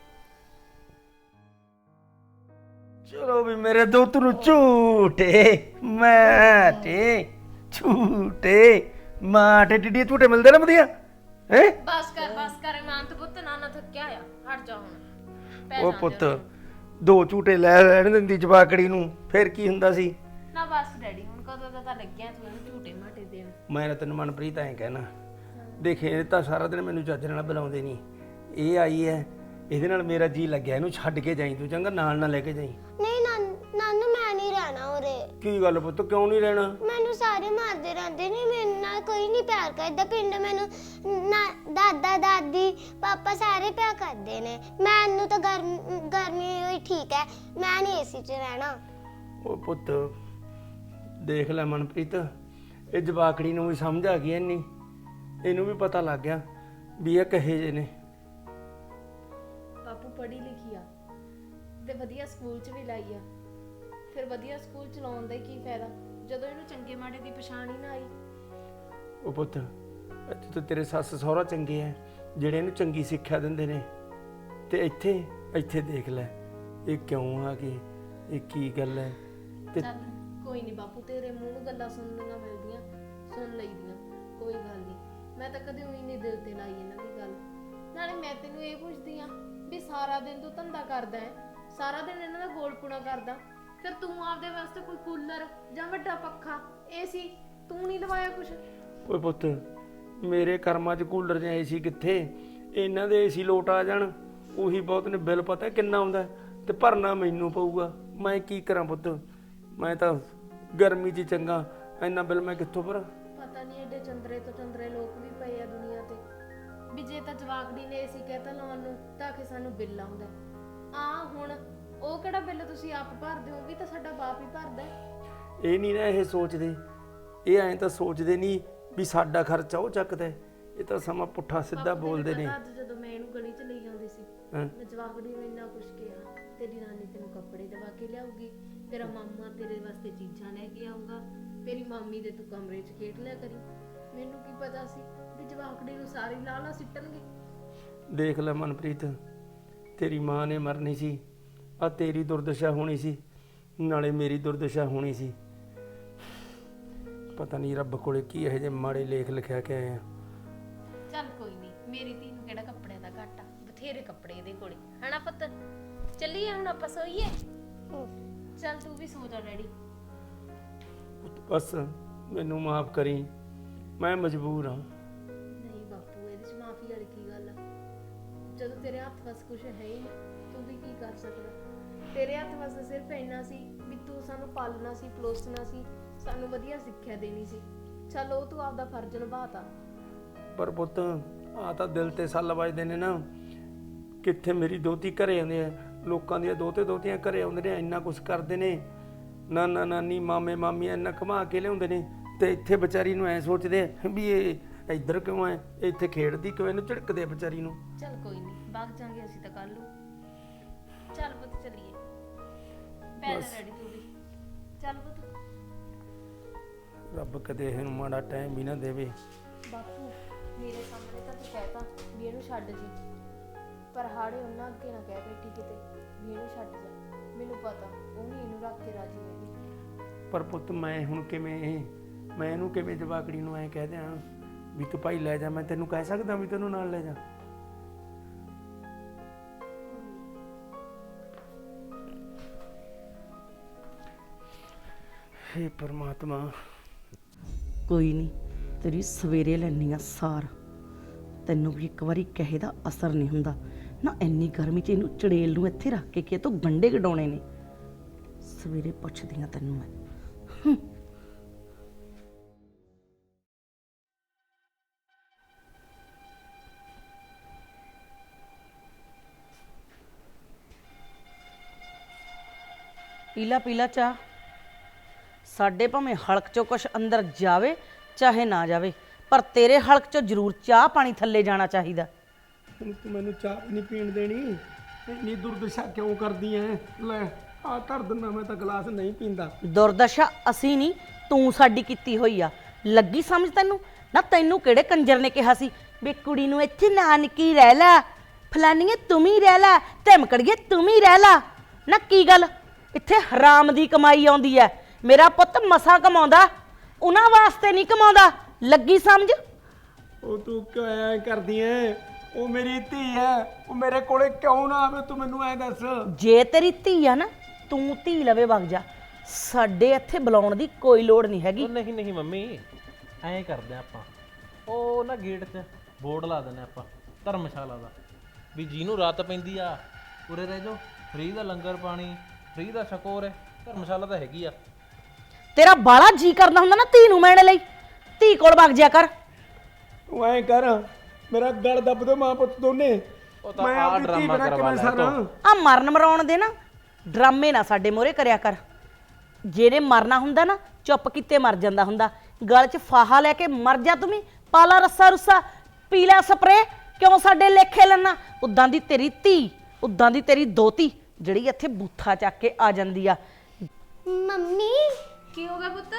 Speaker 6: ਚਲੋ ਵੀ ਮੇਰੇ ਦੋਤ ਨੂੰ ਝੂਟੇ ਮਾਟੇ, ਝੂਟੇ ਮਾਟੇ ਟਿੱਡੀ ਝੂਟੇ ਮਿਲਦੇ ਨਾ ਵਧੀਆ ਹੈ।
Speaker 2: ਬਸ ਕਰ ਇਮਾਨਤ ਪੁੱਤ, ਨਾ ਥੱਕਿਆ ਆ, ਹਟ ਜਾ ਹੁਣ।
Speaker 6: ਉਹ ਪੁੱਤ 2 ਝੂਟੇ ਲੈ ਲੈਣ ਦਿੰਦੀ ਜਵਾਕੜੀ ਨੂੰ, ਫਿਰ ਕੀ ਹੁੰਦਾ ਸੀ?
Speaker 2: ਨਾ ਬਸ ਡੈਡੀ, ਹੁਣ ਕਦੋਂ ਦਾ ਤਾਂ ਲੱਗਿਆ ਤੂੰ ਇਹਨੂੰ ਝੂਟੇ ਮਾਟੇ ਦੇਣ।
Speaker 6: ਮੈਂ ਨਾ ਤੈਨੂੰ ਮਨਪ੍ਰੀਤ ਐਂ ਕਹਿਣਾ, ਦੇਖ ਇਹ ਤਾਂ ਸਾਰਾ ਦਿਨ ਮੈਨੂੰ ਚੱਜ ਨਾਲ ਬੁਲਾਉਂਦੇ ਨਹੀਂ। ਇਹ ਆਈ ਹੈ, ਇਹਦੇ ਨਾਲ ਮੇਰਾ ਜੀ ਲੱਗਿਆ, ਇਹਨੂੰ ਛੱਡ ਕੇ ਜਾਈਂ ਤੂੰ, ਚੰਗਾ? ਨਾਲ ਨਾ ਲੈ ਕੇ ਜਾਈਂ।
Speaker 4: ਨਹੀਂ ਨਾਨੂ, ਮੈਂ ਨਹੀਂ ਰਹਿਣਾ ਉਰੇ।
Speaker 6: ਕੀ ਗੱਲ ਪੁੱਤ, ਕਿਉਂ ਨਹੀਂ ਰਹਿਣਾ?
Speaker 4: ਮੈਨੂੰ ਸਾਰੇ ਮਾਰਦੇ ਰਹਿੰਦੇ ਨੇ, ਮੇਰੇ ਨਾਲ ਕੋਈ ਨਹੀਂ ਪਿਆਰ ਕਰਦਾ ਪਿੰਡ। ਮੈਨੂੰ ਦਾਦਾ ਦਾਦੀ ਪਾਪਾ ਸਾਰੇ ਪਿਆਰ ਕਰਦੇ ਨੇ। ਮੈਨੂੰ ਤਾਂ ਗਰਮੀ ਹੋਈ ਠੀਕ ਹੈ, ਮੈਂ ਨਹੀਂ ਏਸੀ 'ਚ ਰਹਿਣਾ।
Speaker 6: ਉਹ ਪੁੱਤ ਦੇਖ ਲੈ ਮਨਪ੍ਰੀਤ, ਇਹ ਜਵਾਕੜੀ ਨੂੰ ਵੀ ਸਮਝ ਆ ਗਈ ਇੰਨੀ, ਇਹਨੂੰ ਵੀ ਪਤਾ ਲੱਗ ਗਿਆ ਵੀ ਇਹ ਕਹੇ ਜੇ ਨੇ।
Speaker 2: ਬਾਪੂ ਪੜ੍ਹੀ ਲਿਖੀ ਆ ਤੇ ਵਧੀਆ ਸਕੂਲ 'ਚ ਵੀ ਲਾਈ ਆ, ਫਿਰ ਵਧੀਆ ਸਕੂਲ 'ਚ ਲਾਉਣ ਦਾ ਕੀ ਫਾਇਦਾ ਜਦੋਂ ਇਹਨੂੰ ਚੰਗੇ ਮਾੜੇ ਦੀ ਪਛਾਣ ਹੀ ਨਾ ਆਈ।
Speaker 6: ਉਹ ਪੁੱਤ ਇੱਥੇ ਤਾਂ ਤੇਰੇ ਸੱਸ ਸਹੁਰਾ ਚੰਗੇ ਆ, ਜਿਹੜੇ ਇਹਨੂੰ ਚੰਗੀ ਸਿੱਖਿਆ ਦਿੰਦੇ ਨੇ, ਤੇ ਇੱਥੇ ਦੇਖ ਲੈ ਇਹ ਕਿਉਂ ਆ ਗਏ, ਇਹ ਕੀ ਗੱਲ ਹੈ? ਤੇ
Speaker 2: ਚੱਲ ਕੋਈ ਨਹੀਂ ਬਾਪੂ, ਤੇਰੇ ਮੂੰਹ ਨੂੰ ਗੱਲਾਂ ਸੁਣਨੀਆਂ ਮਿਲਦੀਆਂ, ਸੁਣ ਲਈਦੀਆਂ, ਕੋਈ ਗੱਲ ਨਹੀਂ। ਮੈਂ ਤਾਂ ਕਦੇ ਉਹੀ ਨਹੀਂ ਦਿਲ ਤੇ ਲਾਈ ਇਹਨਾਂ ਦੀ ਗੱਲ। ਨਾਲੇ ਮੈਂ ਤੈਨੂੰ ਇਹ ਪੁੱਛਦੀ ਆ ਵੀ ਸਾਰਾ ਦਿਨ ਤੂੰ ਧੰਦਾ ਕਰਦਾ ਹੈ, ਸਾਰਾ ਦਿਨ ਇਹਨਾਂ ਦਾ ਗੋਲਪੁਣਾ ਕਰਦਾ, ਫਿਰ ਤੂੰ ਆਪਦੇ ਵਾਸਤੇ ਕੋਈ ਕੂਲਰ ਜਾਂ ਵੱਡਾ ਪੱਖਾ ਏਸੀ ਤੂੰ ਨਹੀਂ ਲਵਾਇਆ ਕੁਛ?
Speaker 6: ਓਏ ਪੁੱਤ ਮੇਰੇ ਕਰਮਾਂ 'ਚ ਕੂਲਰ ਜਾਂ ਏਸੀ ਕਿੱਥੇ, ਇਹਨਾਂ ਦੇ ਏਸੀ ਲੋਟ ਆ ਜਾਣ ਉਹੀ ਬਹੁਤ ਨੇ। ਬਿੱਲ ਪਤਾ ਕਿੰਨਾ ਆਉਂਦਾ, ਤੇ ਭਰਨਾ ਮੈਨੂੰ ਪਊਗਾ। ਮੈਂ ਕੀ ਕਰਾਂ ਪੁੱਤ, ਮੈਂ ਤਾਂ ਗਰਮੀ 'ਚ ਚੰਗਾ, ਇੰਨਾ ਬਿੱਲ ਮੈਂ ਕਿੱਥੋਂ ਭਰਾਂ?
Speaker 2: ਪਤਾ ਨਹੀਂ ਐਡੇ ਚੰਦਰੇ ਤੋਂ ਚੰਦਰੇ ਲੋਕ ਵੀ ਪਏ ਆ ਦੁਨੀਆ ਤੇ, ਵੀ ਜੇ ਤਾਂ ਜਵਾਕੜੀ ਨੇ ਏਸੀ ਕਹਿਤਾ ਲਾਉਣ ਨੂੰ ਤਾਂ ਕਿ ਸਾਨੂੰ ਬਿੱਲ ਆਉਂਦਾ ਆ। ਹੁਣ ਉਹ ਕਿਹੜਾ ਬਿੱਲ ਤੁਸੀਂ ਆਪ ਭਰਦੇ ਹੋ, ਵੀ ਤਾਂ ਸਾਡਾ ਬਾਪ ਹੀ ਭਰਦਾ।
Speaker 6: ਇਹ ਨਹੀਂ ਨਾ ਇਹ ਸੋਚਦੇ, ਇਹ ਐਂ ਤਾਂ ਸੋਚਦੇ ਨਹੀਂ ਵੀ ਸਾਡਾ ਖਰਚਾ ਉਹ ਚੱਕਦਾ। ਇਹ ਤਾਂ ਸਮਾਂ ਪੁੱਠਾ ਸਿੱਧਾ ਬੋਲਦੇ ਨੇ।
Speaker 2: ਅੱਜ ਜਦੋਂ ਮੈਂ ਇਹਨੂੰ ਗਲੀ 'ਚ ਲਈ ਆਉਂਦੀ ਸੀ, ਮੈਂ ਜਵਾਕੜੀ ਨੂੰ ਇੰਨਾ ਕੁਛ ਕਿਹਾ, ਤੇਰੀ ਨਾਨੀ ਤੈਨੂੰ ਕੱਪੜੇ ਦਵਾ ਕੇ ਲਿਆਊਗੀ, ਤੇਰਾ ਮਾਮਾ ਤੇਰੇ ਵਾਸਤੇ ਚੀਜ਼ਾਂ ਲੈ ਕੇ ਆਊਗਾ, ਤੇਰੀ ਮਾਮੀ ਦੇ ਤੂੰ ਕਮਰੇ 'ਚ ਖੇਡ ਲਿਆ ਕਰੀ। ਮੈਨੂੰ ਕੀ ਪਤਾ ਸੀ ਵੀ ਜਵਾਕੜੀ ਨੂੰ ਸਾਰੀ ਲਾਲਾ ਸਿੱਟਣਗੇ।
Speaker 6: ਦੇਖ ਲੈ ਮਨਪ੍ਰੀਤ, ਤੇਰੀ ਮਾਂ ਨੇ ਮਰਨੀ ਸੀ, ਆ ਤੇਰੀ ਦੁਰਦਸ਼ਾ ਹੋਣੀ ਸੀ, ਨਾਲੇ ਮੇਰੀ ਦੁਰਦਸ਼ਾ ਹੋਣੀ ਸੀ। ਪਤਾ ਨਹੀਂ ਰੱਬ ਕੋਲੇ ਕੀ ਇਹੋ ਜਿਹੇ ਮਾੜੇ ਲੇਖ ਲਿਖਿਆ ਕੇ ਆਏ ਆ।
Speaker 2: ਚੱਲ ਕੋਈ ਨਹੀਂ, ਮੇਰੀ ਧੀ ਨੂੰ ਕਿਹੜਾ ਕੱਪੜਿਆਂ ਦਾ ਘਾਟਾ, ਬਥੇਰੇ ਕੱਪੜੇ ਇਹਦੇ ਕੋਲੇ, ਹਨਾ ਪੁੱਤ? ਚੱਲੀਏ ਹੁਣ ਆਪਾਂ ਸੋਈਏ। ਚੱਲ ਤੂੰ ਵੀ ਸੋ ਜਾ ਡੈਡੀ।
Speaker 6: ਬਸ ਮੈਨੂੰ ਮਾਫ ਕਰੀ, ਮੈਂ ਮਜਬੂਰ ਹਾਂ।
Speaker 2: ਨਹੀਂ ਬਾਪੂ, ਇਹਦੇ 'ਚ ਮਾਫੀ ਵਾਲੀ ਕੀ ਗੱਲ ਆ? ਜਦੋਂ ਤੇਰੇ ਹੱਥ ਵਸ ਕੁਛ ਹੈ ਹੀ ਨਹੀਂ, ਤੂੰ ਵੀ ਕੀ ਕਰ ਸਕਦਾ? ਤੇਰੇ ਹੱਥ ਵਸ ਸਿਰਫ ਇੰਨਾ ਸੀ ਵੀ ਤੂੰ ਸਾਨੂੰ ਪਾਲਣਾ ਸੀ, ਪਲੋਸਣਾ ਸੀ, ਸਾਨੂੰ ਵਧੀਆ ਸਿੱਖਿਆ ਦੇਣੀ ਸੀ। ਚੱਲ ਉਹ ਤੂੰ ਆਪਦਾ ਫਰਜ਼ ਨਿਭਾਤਾ।
Speaker 6: ਪਰ ਪੁੱਤ ਆ ਤਾਂ ਦਿਲ ਤੇ ਸੱਲ ਵੱਜਦੇ ਨੇ ਨਾ। ਕਿੱਥੇ ਮੇਰੀ ਦੋਤੀ ਘਰੇ ਆਉਂਦੇ ਆ, ਲੋਕਾਂ ਦੀਆਂ ਦੋਤੇ ਦੋਤੀਆਂ ਘਰੇ ਆਉਂਦੇ ਨੇ, ਇੰਨਾ ਕੁਛ ਕਰਦੇ ਨੇ, ਨਾਨਾ ਨਾਨੀ ਮਾਮੇ ਮਾਮੀਆਂ ਇੰਨਾ ਘੁਮਾ ਕੇ ਲਿਆਉਂਦੇ ਨੇ, ਤੇ ਇੱਥੇ ਵਿਚਾਰੀ ਨੂੰ ਐ ਸੋਚਦੇ ਵੀ ਇਹ ਇੱਧਰ ਕਿਉਂ ਐ, ਇੱਥੇ ਖੇਡਦੀ ਕਿਉਂ, ਇਹਨੂੰ ਝਿੜਕਦੇ ਵਿਚਾਰੀ ਨੂੰ।
Speaker 2: ਚੱਲ ਕੋਈ ਨਹੀਂ, ਵਗ ਜਾਾਂਗੇ ਅਸੀਂ ਤਾਂ ਕੱਲ ਨੂੰ। ਚੱਲ ਪੁੱਤ ਚੱਲੀਏ, ਪੈ ਜਾ ਡੈਡੀ ਤੂੰ ਵੀ। ਚੱਲ ਪੁੱਤ।
Speaker 6: ਰੱਬ ਕਦੇ ਇਹਨੂੰ ਮਾੜਾ ਟਾਈਮ ਵੀ ਨਾ ਦੇਵੇ।
Speaker 2: ਬਾਪੂ ਮੇਰੇ ਸਾਹਮਣੇ ਤਾਂ ਤੂੰ ਕਹਿਤਾ ਵੀ ਇਹਨੂੰ ਛੱਡ ਜੀ, ਪਰ ਹਾੜੇ ਉਹਨਾਂ ਅੱਗੇ ਨਾ ਕਹਿ ਬੈਠੀ ਕਿਤੇ ਵੀ ਇਹਨੂੰ ਛੱਡ ਜਾ। ਮੈਨੂੰ ਪਤਾ ਉਹ ਨਹੀਂ ਇਹਨੂੰ ਰੱਖ ਕੇ ਰਾਜੀ ਹੈਗੀ।
Speaker 6: ਪਰ ਪੁੱਤ ਮੈਂ ਹੁਣ ਕਿਵੇਂ, ਮੈਂ ਇਹਨੂੰ ਕਿਵੇਂ ਜਵਾਕੜੀ ਨੂੰ ਐ ਕਹਿ ਦਿਆਂ ਵੀ ਤੂੰ ਭਾਈ ਲੈ ਜਾ? ਮੈਂ ਤੈਨੂੰ ਕਹਿ ਸਕਦਾ ਵੀ ਤੈਨੂੰ ਨਾਲ ਲੈ ਜਾ? ਹੇ ਪਰਮਾਤਮਾ,
Speaker 1: ਕੋਈ ਨਹੀਂ, ਤੇਰੀ ਸਵੇਰੇ ਲੈਣੀ ਆ ਸਾਰ। ਤੈਨੂੰ ਵੀ ਇੱਕ ਵਾਰੀ ਕਹੇ ਦਾ ਅਸਰ ਨਹੀਂ ਹੁੰਦਾ ਨਾ। ਇੰਨੀ ਗਰਮੀ 'ਚ ਇਹਨੂੰ ਚੜੇਲ ਨੂੰ ਇੱਥੇ ਰੱਖ ਕੇ ਤੂੰ ਗੰਡੇ ਗਡਾਉਣੇ ਨੇ। ਸਵੇਰੇ ਪੁੱਛਦੀ ਆ ਤੈਨੂੰ ਮੈਂ। ਪੀਲਾ ਪੀਲਾ ਚਾਹ। ਸਾਡੇ ਭਾਵੇਂ ਹਲਕ ਚੋਂ ਕੁਛ ਅੰਦਰ ਜਾਵੇ ਚਾਹੇ ਨਾ ਜਾਵੇ, ਪਰ ਤੇਰੇ ਹਲਕ ਚੋਂ ਜ਼ਰੂਰ ਚਾਹ ਪਾਣੀ ਥੱਲੇ ਜਾਣਾ ਚਾਹੀਦਾ।
Speaker 6: ਹੁਣ ਤੂੰ ਮੈਨੂੰ ਚਾਹ ਵੀ ਨਹੀਂ ਪੀਣ ਦੇਣੀ। ਇੰਨੀ ਦੁਰਦਸ਼ਾ ਕਿਉਂ ਕਰਦੀ ਐ? ਲੈ ਆ ਧਰ ਦਿੰਦਾ, ਮੈਂ ਤਾਂ ਗਲਾਸ ਨਹੀਂ ਪੀਂਦਾ।
Speaker 1: ਦੁਰਦਸ਼ਾ ਅਸੀਂ ਨਹੀਂ, ਤੂੰ ਸਾਡੀ ਕੀਤੀ ਹੋਈ ਆ। ਲੱਗੀ ਸਮਝ ਤੈਨੂੰ? ਨਾ ਤੈਨੂੰ ਕਿਹੜੇ ਕੰਜਰ ਨੇ ਕਿਹਾ ਸੀ ਵੀ ਕੁੜੀ ਨੂੰ ਇੱਥੇ ਨਾਨਕੀ ਰਹਿ ਲੈ, ਫਲਾਨੀਏ ਤੂੰ ਹੀ ਰਹਿ ਲੈ, ਧਮਕੜੀਏ ਤੂੰ ਹੀ ਰਹਿ ਲੈ? ਨਾ ਕੀ ਗੱਲ, ਇੱਥੇ ਹਰਾਮ ਦੀ ਕਮਾਈ ਆਉਂਦੀ ਐ। ਮੇਰਾ ਪੁੱਤ ਮਸਾਂ ਕਮਾਉਂਦਾ, ਉਹਨਾਂ ਵਾਸਤੇ ਨਹੀਂ ਕਮਾਉਂਦਾ। ਲੱਗੀ ਸਮਝ?
Speaker 6: ਉਹ ਤੂੰ ਕਿਉਂ ਐ ਕਰਦੀ ਐ? ਉਹ ਮੇਰੀ ਧੀ ਐ, ਉਹ ਮੇਰੇ ਕੋਲੇ ਕਿਉਂ ਨਾ ਆਵੇ? ਤੂੰ ਮੈਨੂੰ ਐ ਦੱਸ।
Speaker 1: ਜੇ ਤੇਰੀ ਧੀ ਆ ਨਾ, ਤੂੰ ਧੀ ਲਵੇ ਵਗ ਜਾ। ਸਾਡੇ ਇੱਥੇ ਬੁਲਾਉਣ ਦੀ ਕੋਈ ਲੋੜ ਨਹੀਂ ਹੈਗੀ।
Speaker 7: ਉਹ ਨਹੀਂ ਨਹੀਂ ਮੰਮੀ, ਐਂ ਕਰਦੇ ਆਪਾਂ, ਉਹ ਨਾ ਗੇਟ 'ਚ ਬੋਰਡ ਲਾ ਦਿੰਦੇ ਆਪਾਂ ਧਰਮਸ਼ਾਲਾ ਦਾ, ਵੀ ਜਿਹਨੂੰ ਰਾਤ ਪੈਂਦੀ ਆ ਉਰੇ ਰਹਿ ਜਾਓ, ਫ੍ਰੀ ਦਾ ਲੰਗਰ ਪਾਣੀ, ਫ੍ਰੀ ਦਾ ਛਕੋ। ਹੈ ਧਰਮਸ਼ਾਲਾ ਤਾਂ ਹੈਗੀ ਆ।
Speaker 1: ਤੇਰਾ ਬਾਲਾ ਜੀ ਕਰਦਾ ਹੁੰਦਾ ਨਾ ਧੀ ਨੂੰ ਮਿਲਣ ਲਈ, ਧੀ ਕੋਲ ਵਗ ਜਾ ਕਰ।
Speaker 6: ਤੂੰ ਐ ਕਰ, ਮੇਰਾ ਗਲ ਦੱਬ ਦੋ ਮਾਂ ਪੁੱਤ ਦੋਨੇ।
Speaker 7: ਉਹ ਤਾਂ
Speaker 6: ਮੈਂ
Speaker 7: ਆਹ
Speaker 6: ਆਪਣੀ ਧੀ
Speaker 7: ਡਰਾਮਾ
Speaker 6: ਬਿਨਾਂ
Speaker 7: ਕਰਵਾ
Speaker 6: ਕਿਵੇਂ
Speaker 7: ਲੈ
Speaker 6: ਸਾਰਾਂ?
Speaker 7: ਤੂੰ।
Speaker 1: ਆ ਮਰਨ ਮਰਾਉਣ ਦੇ ਨਾ ਡਰਾਮੇ ਨਾ ਸਾਡੇ ਮੋਹਰੇ ਕਰਿਆ ਕਰ। ਜਿਹਨੇ ਮਰਨਾ ਹੁੰਦਾ ਨਾ ਚੁੱਪ ਕੀਤੇ ਮਰ ਜਾਂਦਾ ਹੁੰਦਾ। ਗਲ 'ਚ ਫਾਹਾ ਲੈ ਕੇ ਮਰ ਜਾ ਤੂੰ ਵੀ, ਪਾਲਾ ਰੱਸਾ ਰੁੱਸਾ, ਪੀ ਲੈ ਸਪਰੇ, ਕਿਉਂ ਸਾਡੇ ਲੇਖੇ ਲੈਣਾ? ਉਦਾਂ ਦੀ ਤੇਰੀ ਧੀ, ਉਦਾਂ ਦੀ ਤੇਰੀ ਦੋਤੀ ਜਿਹੜੀ ਇੱਥੇ ਬੂਥਾ ਚੱਕ ਕੇ ਆ ਜਾਂਦੀ ਆ।
Speaker 4: ਮੰਮੀ
Speaker 2: ਕੀ ਹੋ ਗਿਆ ਪੁੱਤ?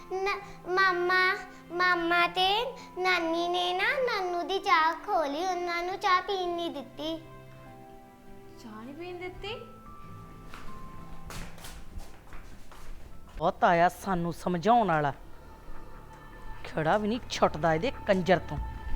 Speaker 4: ਮਾਮਾ ਤੇ ਨਾਨੀ ਨੇ ਨਾ ਨਾਨੂ ਦੀ ਚਾਹ ਖੋਲੀ, ਉਹਨਾਂ ਨੂੰ ਚਾਹ ਪੀਣ ਨਹੀਂ ਦਿੱਤੀ।
Speaker 2: ਚਾਹ ਨਹੀਂ ਪੀਣ ਦਿੱਤੀ?
Speaker 1: ਬਹੁਤ ਆਇਆ ਸਾਨੂੰ ਸਮਝਾਉਣ ਵਾਲਾ, ਖੜਾ ਵੀ ਨਹੀਂ ਛੁੱਟਦਾ ਇਹਦੇ ਕੰਜਰ ਤੋਂ।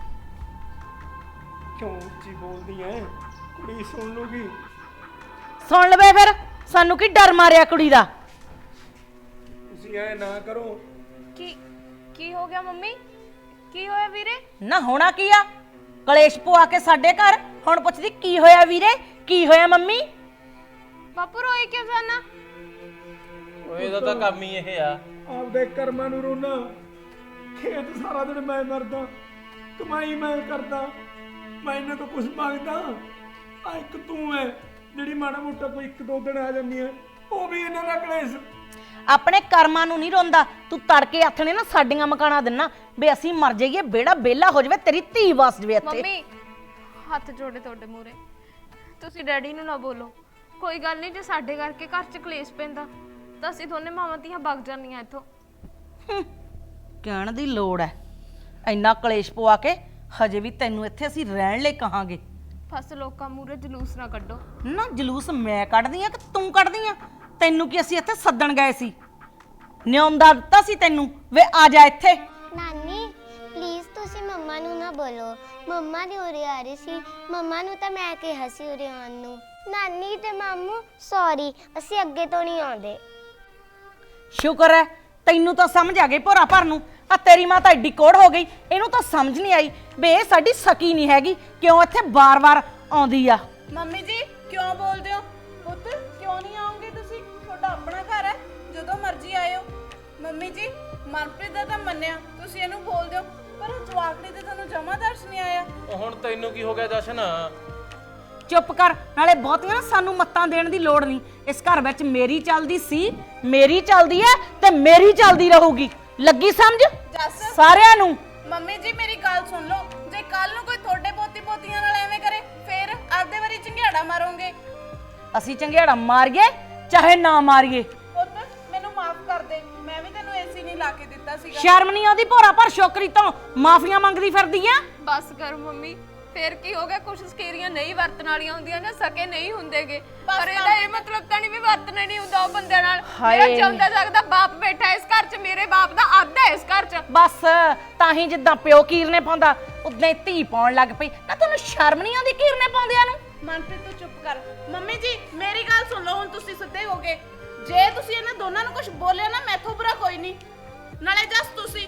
Speaker 6: ਕਿਉਂ ਉੱਚੀ ਬੋਲਦੀ ਐ? ਕੁੜੀ ਸੁਣ ਲੂਗੀ।
Speaker 1: ਸੁਣ ਲਵੇ ਫਿਰ, ਸਾਨੂੰ ਕੀ ਡਰ ਮਾਰਿਆ ਕੁੜੀ ਦਾ?
Speaker 6: ਤੁਸੀਂ ਐ ਨਾ ਕਰੋ।
Speaker 2: ਕੀ ਹੋ ਗਿਆ ਮੰਮੀ? ਕੀ ਹੋਇਆ ਵੀਰੇ?
Speaker 1: ਨਾ ਹੋਣਾ ਕੀ ਆ, ਕਲੇਸ਼ ਪਵਾ ਕੇ ਸਾਡੇ ਘਰ। ਹੁਣ ਪੁੱਛਦੀ ਕੀ ਹੋਇਆ ਵੀਰੇ, ਕੀ ਹੋਇਆ ਮੰਮੀ?
Speaker 2: ਬਾਪੂ ਰੋਈ ਕਿਉਂ ਜਾਨਾ?
Speaker 7: ਉਹ ਇਹਦਾ ਤਾਂ ਕੰਮ ਹੀ ਇਹ ਆ।
Speaker 6: ਆਪਦੇ ਕਰਮਾਂ ਨੂੰ ਰੋਣਾ। ਖੇਤ ਸਾਰਾ ਦਿਨ ਮੈਂ ਮਰਦਾ, ਕਮਾਈ ਮੈਂ ਕਰਦਾ, ਮੈਂ ਇਹਨਾਂ ਤੋਂ ਕੁਝ ਮੰਗਦਾ। ਆ ਇੱਕ ਤੂੰ ਐ ਜਿਹੜੀ ਮਾੜਾ ਮੋਟਾ ਕੋਈ ਇੱਕ ਦੋ ਦਿਨ ਆ ਜਾਂਦੀ ਐ, ਉਹ ਵੀ ਇਹਨਾਂ ਦਾ ਕਲੇਸ਼।
Speaker 1: ਆਪਣੇ ਕਰਮਾਂ ਨੂੰ ਨਹੀਂ ਰੋਂਦਾ ਤੂੰ। ਤੜਕੇ ਹੱਥ ਨੇ ਨਾ ਸਾਡੀਆਂ ਮਕਾਨਾਂ ਦਿੰਨਾ ਵੀ ਅਸੀਂ ਮਰ ਜਾਈਏ, ਬੇੜਾ ਬੇਲਾ ਹੋ ਜਾਵੇ, ਤੇਰੀ ਧੀ ਵਸ ਜਾਵੇ ਇੱਥੇ।
Speaker 2: ਮੰਮੀ ਹੱਥ ਜੋੜੇ ਤੁਹਾਡੇ ਮੂਹਰੇ, ਤੁਸੀਂ ਡੈਡੀ ਨੂੰ ਨਾ ਬੋਲੋ। ਕੋਈ ਗੱਲ ਨਹੀਂ, ਜੇ ਸਾਡੇ ਕਰਕੇ ਘਰ 'ਚ ਕਲੇਸ਼ ਪੈਂਦਾ ਤਾਂ ਅਸੀਂ ਦੋਨੇ ਮਾਵਾਂ ਧੀਆਂ ਵਗ ਜਾਂਦੀਆਂ ਇੱਥੋਂ।
Speaker 1: ਕਹਿਣ ਦੀ ਲੋੜ ਐ? ਇੰਨਾ ਕਲੇਸ਼ ਪਵਾ ਕੇ ਹਜੇ ਵੀ ਤੈਨੂੰ ਇੱਥੇ ਅਸੀਂ ਰਹਿਣ ਲਈ ਕਹਾਂਗੇ।
Speaker 2: ਫਸ ਲੋਕਾਂ ਮੂਹਰੇ ਜਲੂਸ ਨਾ ਕੱਢੋ।
Speaker 1: ਨਾ ਜਲੂਸ ਮੈਂ ਕੱਢਦੀ ਆ ਕਿ ਤੂੰ ਕੱਢਦੀ ਆ? ਤੈਨੂੰ ਕੀ ਅਸੀਂ ਇੱਥੇ ਸੱਦਣ ਗਏ ਸੀ? ਨਿਉਂਦਾ ਦਿੱਤਾ ਸੀ ਤੈਨੂੰ ਵੇ ਆ ਜਾ ਇੱਥੇ।
Speaker 4: ਨਾਨੀ ਪਲੀਜ਼ ਤੁਸੀਂ ਮੰਮਾ ਨੂੰ ਨਾ ਬੋਲੋ, ਮੰਮਾ ਦੇ ਉਰੇ ਆ ਰਹੀ ਸੀ, ਮੰਮਾ ਨੂੰ ਤਾਂ ਮੈਂ ਕਿਹਾ ਸੀ ਉਰੇ ਆਉਣ ਨੂੰ। ਨਾਨੀ ਤੇ ਮਾਮੂ ਸੌਰੀ, ਅਸੀਂ ਅੱਗੇ ਤੋਂ ਨਹੀਂ ਆਉਂਦੇ।
Speaker 1: ਸ਼ੁਕਰ ਹੈ ਤੈਨੂੰ ਤਾਂ ਸਮਝ ਆ ਗਈ ਭੋਰਾ ਭਰ ਨੂੰ। ਆ ਤੇਰੀ ਮਾਂ ਤਾਂ ਐਡੀ ਕੋੜ ਹੋ ਗਈ, ਇਹਨੂੰ ਤਾਂ ਸਮਝ ਨਹੀਂ ਆਈ ਵੀ ਇਹ ਸਾਡੀ ਸਕੀ ਨਹੀਂ ਹੈਗੀ, ਕਿਉਂ ਇੱਥੇ ਬਾਰ-ਬਾਰ ਆਉਂਦੀ ਆ।
Speaker 3: ਮੰਮੀ ਜੀ ਕਿਉਂ ਬੋਲਦੇ ਹੋ? ਪੁੱਤ ਕਿਉਂ ਨਹੀਂ ਆਉਂਗੇ ਤੁਸੀਂ? ਤੁਹਾਡਾ ਆਪਣਾ ਘਰ ਹੈ, ਜਦੋਂ ਮਰਜ਼ੀ ਆਇਓ। ਮੰਮੀ ਜੀ ਮਨਪ੍ਰੀਤ ਦਾ ਤਾਂ ਮੰਨਿਆ, ਤੁਸੀਂ ਇਹਨੂੰ ਬੋਲਦੇ ਹੋ, ਪਰ ਉਹ ਜਵਾਕੜੀ ਤੇ ਤੁਹਾਨੂੰ ਜਮਾ ਦਰਸ਼ ਨਹੀਂ ਆਇਆ।
Speaker 7: ਉਹ ਹੁਣ ਤੈਨੂੰ ਕੀ ਹੋ ਗਿਆ ਜਸ਼ਨ?
Speaker 1: ਚੁੱਪ ਕਰ, ਨਾਲੇ ਬਹੁਤੀਆਂ ਨਾ ਸਾਨੂੰ ਮੱਤਾਂ ਦੇਣ ਦੀ ਲੋੜ ਨਹੀਂ। ਇਸ ਘਰ ਵਿੱਚ ਮੇਰੀ ਚੱਲਦੀ ਸੀ, ਮੇਰੀ ਚੱਲਦੀ ਹੈ ਤੇ ਮੇਰੀ ਚੱਲਦੀ ਰਹੂਗੀ। ਲੱਗੀ ਸਮਝ ਸਾਰਿਆਂ ਨੂੰ?
Speaker 3: ਮੰਮੀ ਜੀ ਮੇਰੀ ਗੱਲ ਸੁਣ ਲਓ, ਜੇ ਕੱਲ ਨੂੰ ਕੋਈ ਤੁਹਾਡੇ ਪੋਤੀ ਪੋਤੀਆਂ ਨਾਲ ਐਵੇਂ ਕਰੇ ਫਿਰ ਆਪਦੇ ਵਾਰੀ ਝੰਗਿਆੜਾ ਮਾਰੋਗੇ।
Speaker 1: ਅਸੀਂ ਚੰਗਿਆੜਾ ਮਾਰੀਏ ਚਾਹੇ ਨਾ ਮਾਰੀਏ।
Speaker 3: ਪੁੱਤ ਮੈਨੂੰ ਮਾਫ ਕਰ ਦੇ, ਮੈਂ ਵੀ ਤੈਨੂੰ ਏਸੀ ਨਹੀਂ ਲਾ ਕੇ ਦਿੱਤਾ ਸੀਗਾ।
Speaker 1: ਸ਼ਰਮ ਨਹੀਂ ਆਉਂਦੀ ਭੋਰਾ ਭਰ ਛੋਕਰੀ ਤੋਂ ਮਾਫੀਆਂ ਮੰਗਦੀ ਫਿਰਦੀ ਆ?
Speaker 2: ਬਸ ਕਰ ਮੰਮੀ, ਫੇਰ ਕੀ ਹੋ ਗਿਆ? ਕੁਛ ਸਕੇਰੀਆਂ ਨਹੀਂ ਵਰਤਣ ਵਾਲੀਆਂ ਹੁੰਦੀਆਂ ਨਾ, ਸਕੇ ਨਹੀਂ ਹੁੰਦੇਗੇ। ਪਰ ਇਹਦਾ ਇਹ ਮਤਲਬ ਤਾਂ ਨਹੀਂ ਵੀ ਵਰਤਣਾ ਨਹੀਂ ਹੁੰਦਾ ਉਹ ਬੰਦੇ ਨਾਲ। ਮੇਰਾ ਚਾਹੁੰਦਾ ਸਕਦਾ ਬਾਪ ਬੈਠਾ ਇਸ ਘਰ 'ਚ, ਮੇਰੇ ਬਾਪ ਦਾ ਅੱਧਾ ਇਸ ਘਰ 'ਚ।
Speaker 1: ਬਸ ਤਾਂ ਹੀ ਜਿੱਦਾਂ ਪਿਓ ਕੀਰਨੇ ਪਾਉਂਦਾ ਉਦਾਂ ਹੀ ਧੀ ਪਾਉਣ ਲੱਗ ਪਈ। ਨਾ ਤੈਨੂੰ ਸ਼ਰਮ ਨਹੀਂ ਆਉਂਦੀ ਕੀਰਨੇ ਪਾਉਂਦਿਆਂ ਨੂੰ?
Speaker 3: ਮਨਪ੍ਰੀਤ ਤੂੰ ਚੁੱਪ ਕਰ। ਮੰਮੀ ਜੀ ਮੇਰੀ ਗੱਲ ਸੁਣ ਲਓ, ਹੁਣ ਤੁਸੀਂ ਸਿੱਧੇ ਹੋ ਗਏ। ਜੇ ਤੁਸੀਂ ਇਹਨਾਂ ਦੋਨਾਂ ਨੂੰ ਕੁਝ ਬੋਲਿਆ ਨਾ, ਮੈਥੋਂ ਬੁਰਾ ਕੋਈ ਨਹੀਂ। ਨਾਲੇ ਜਸ ਤੁਸੀਂ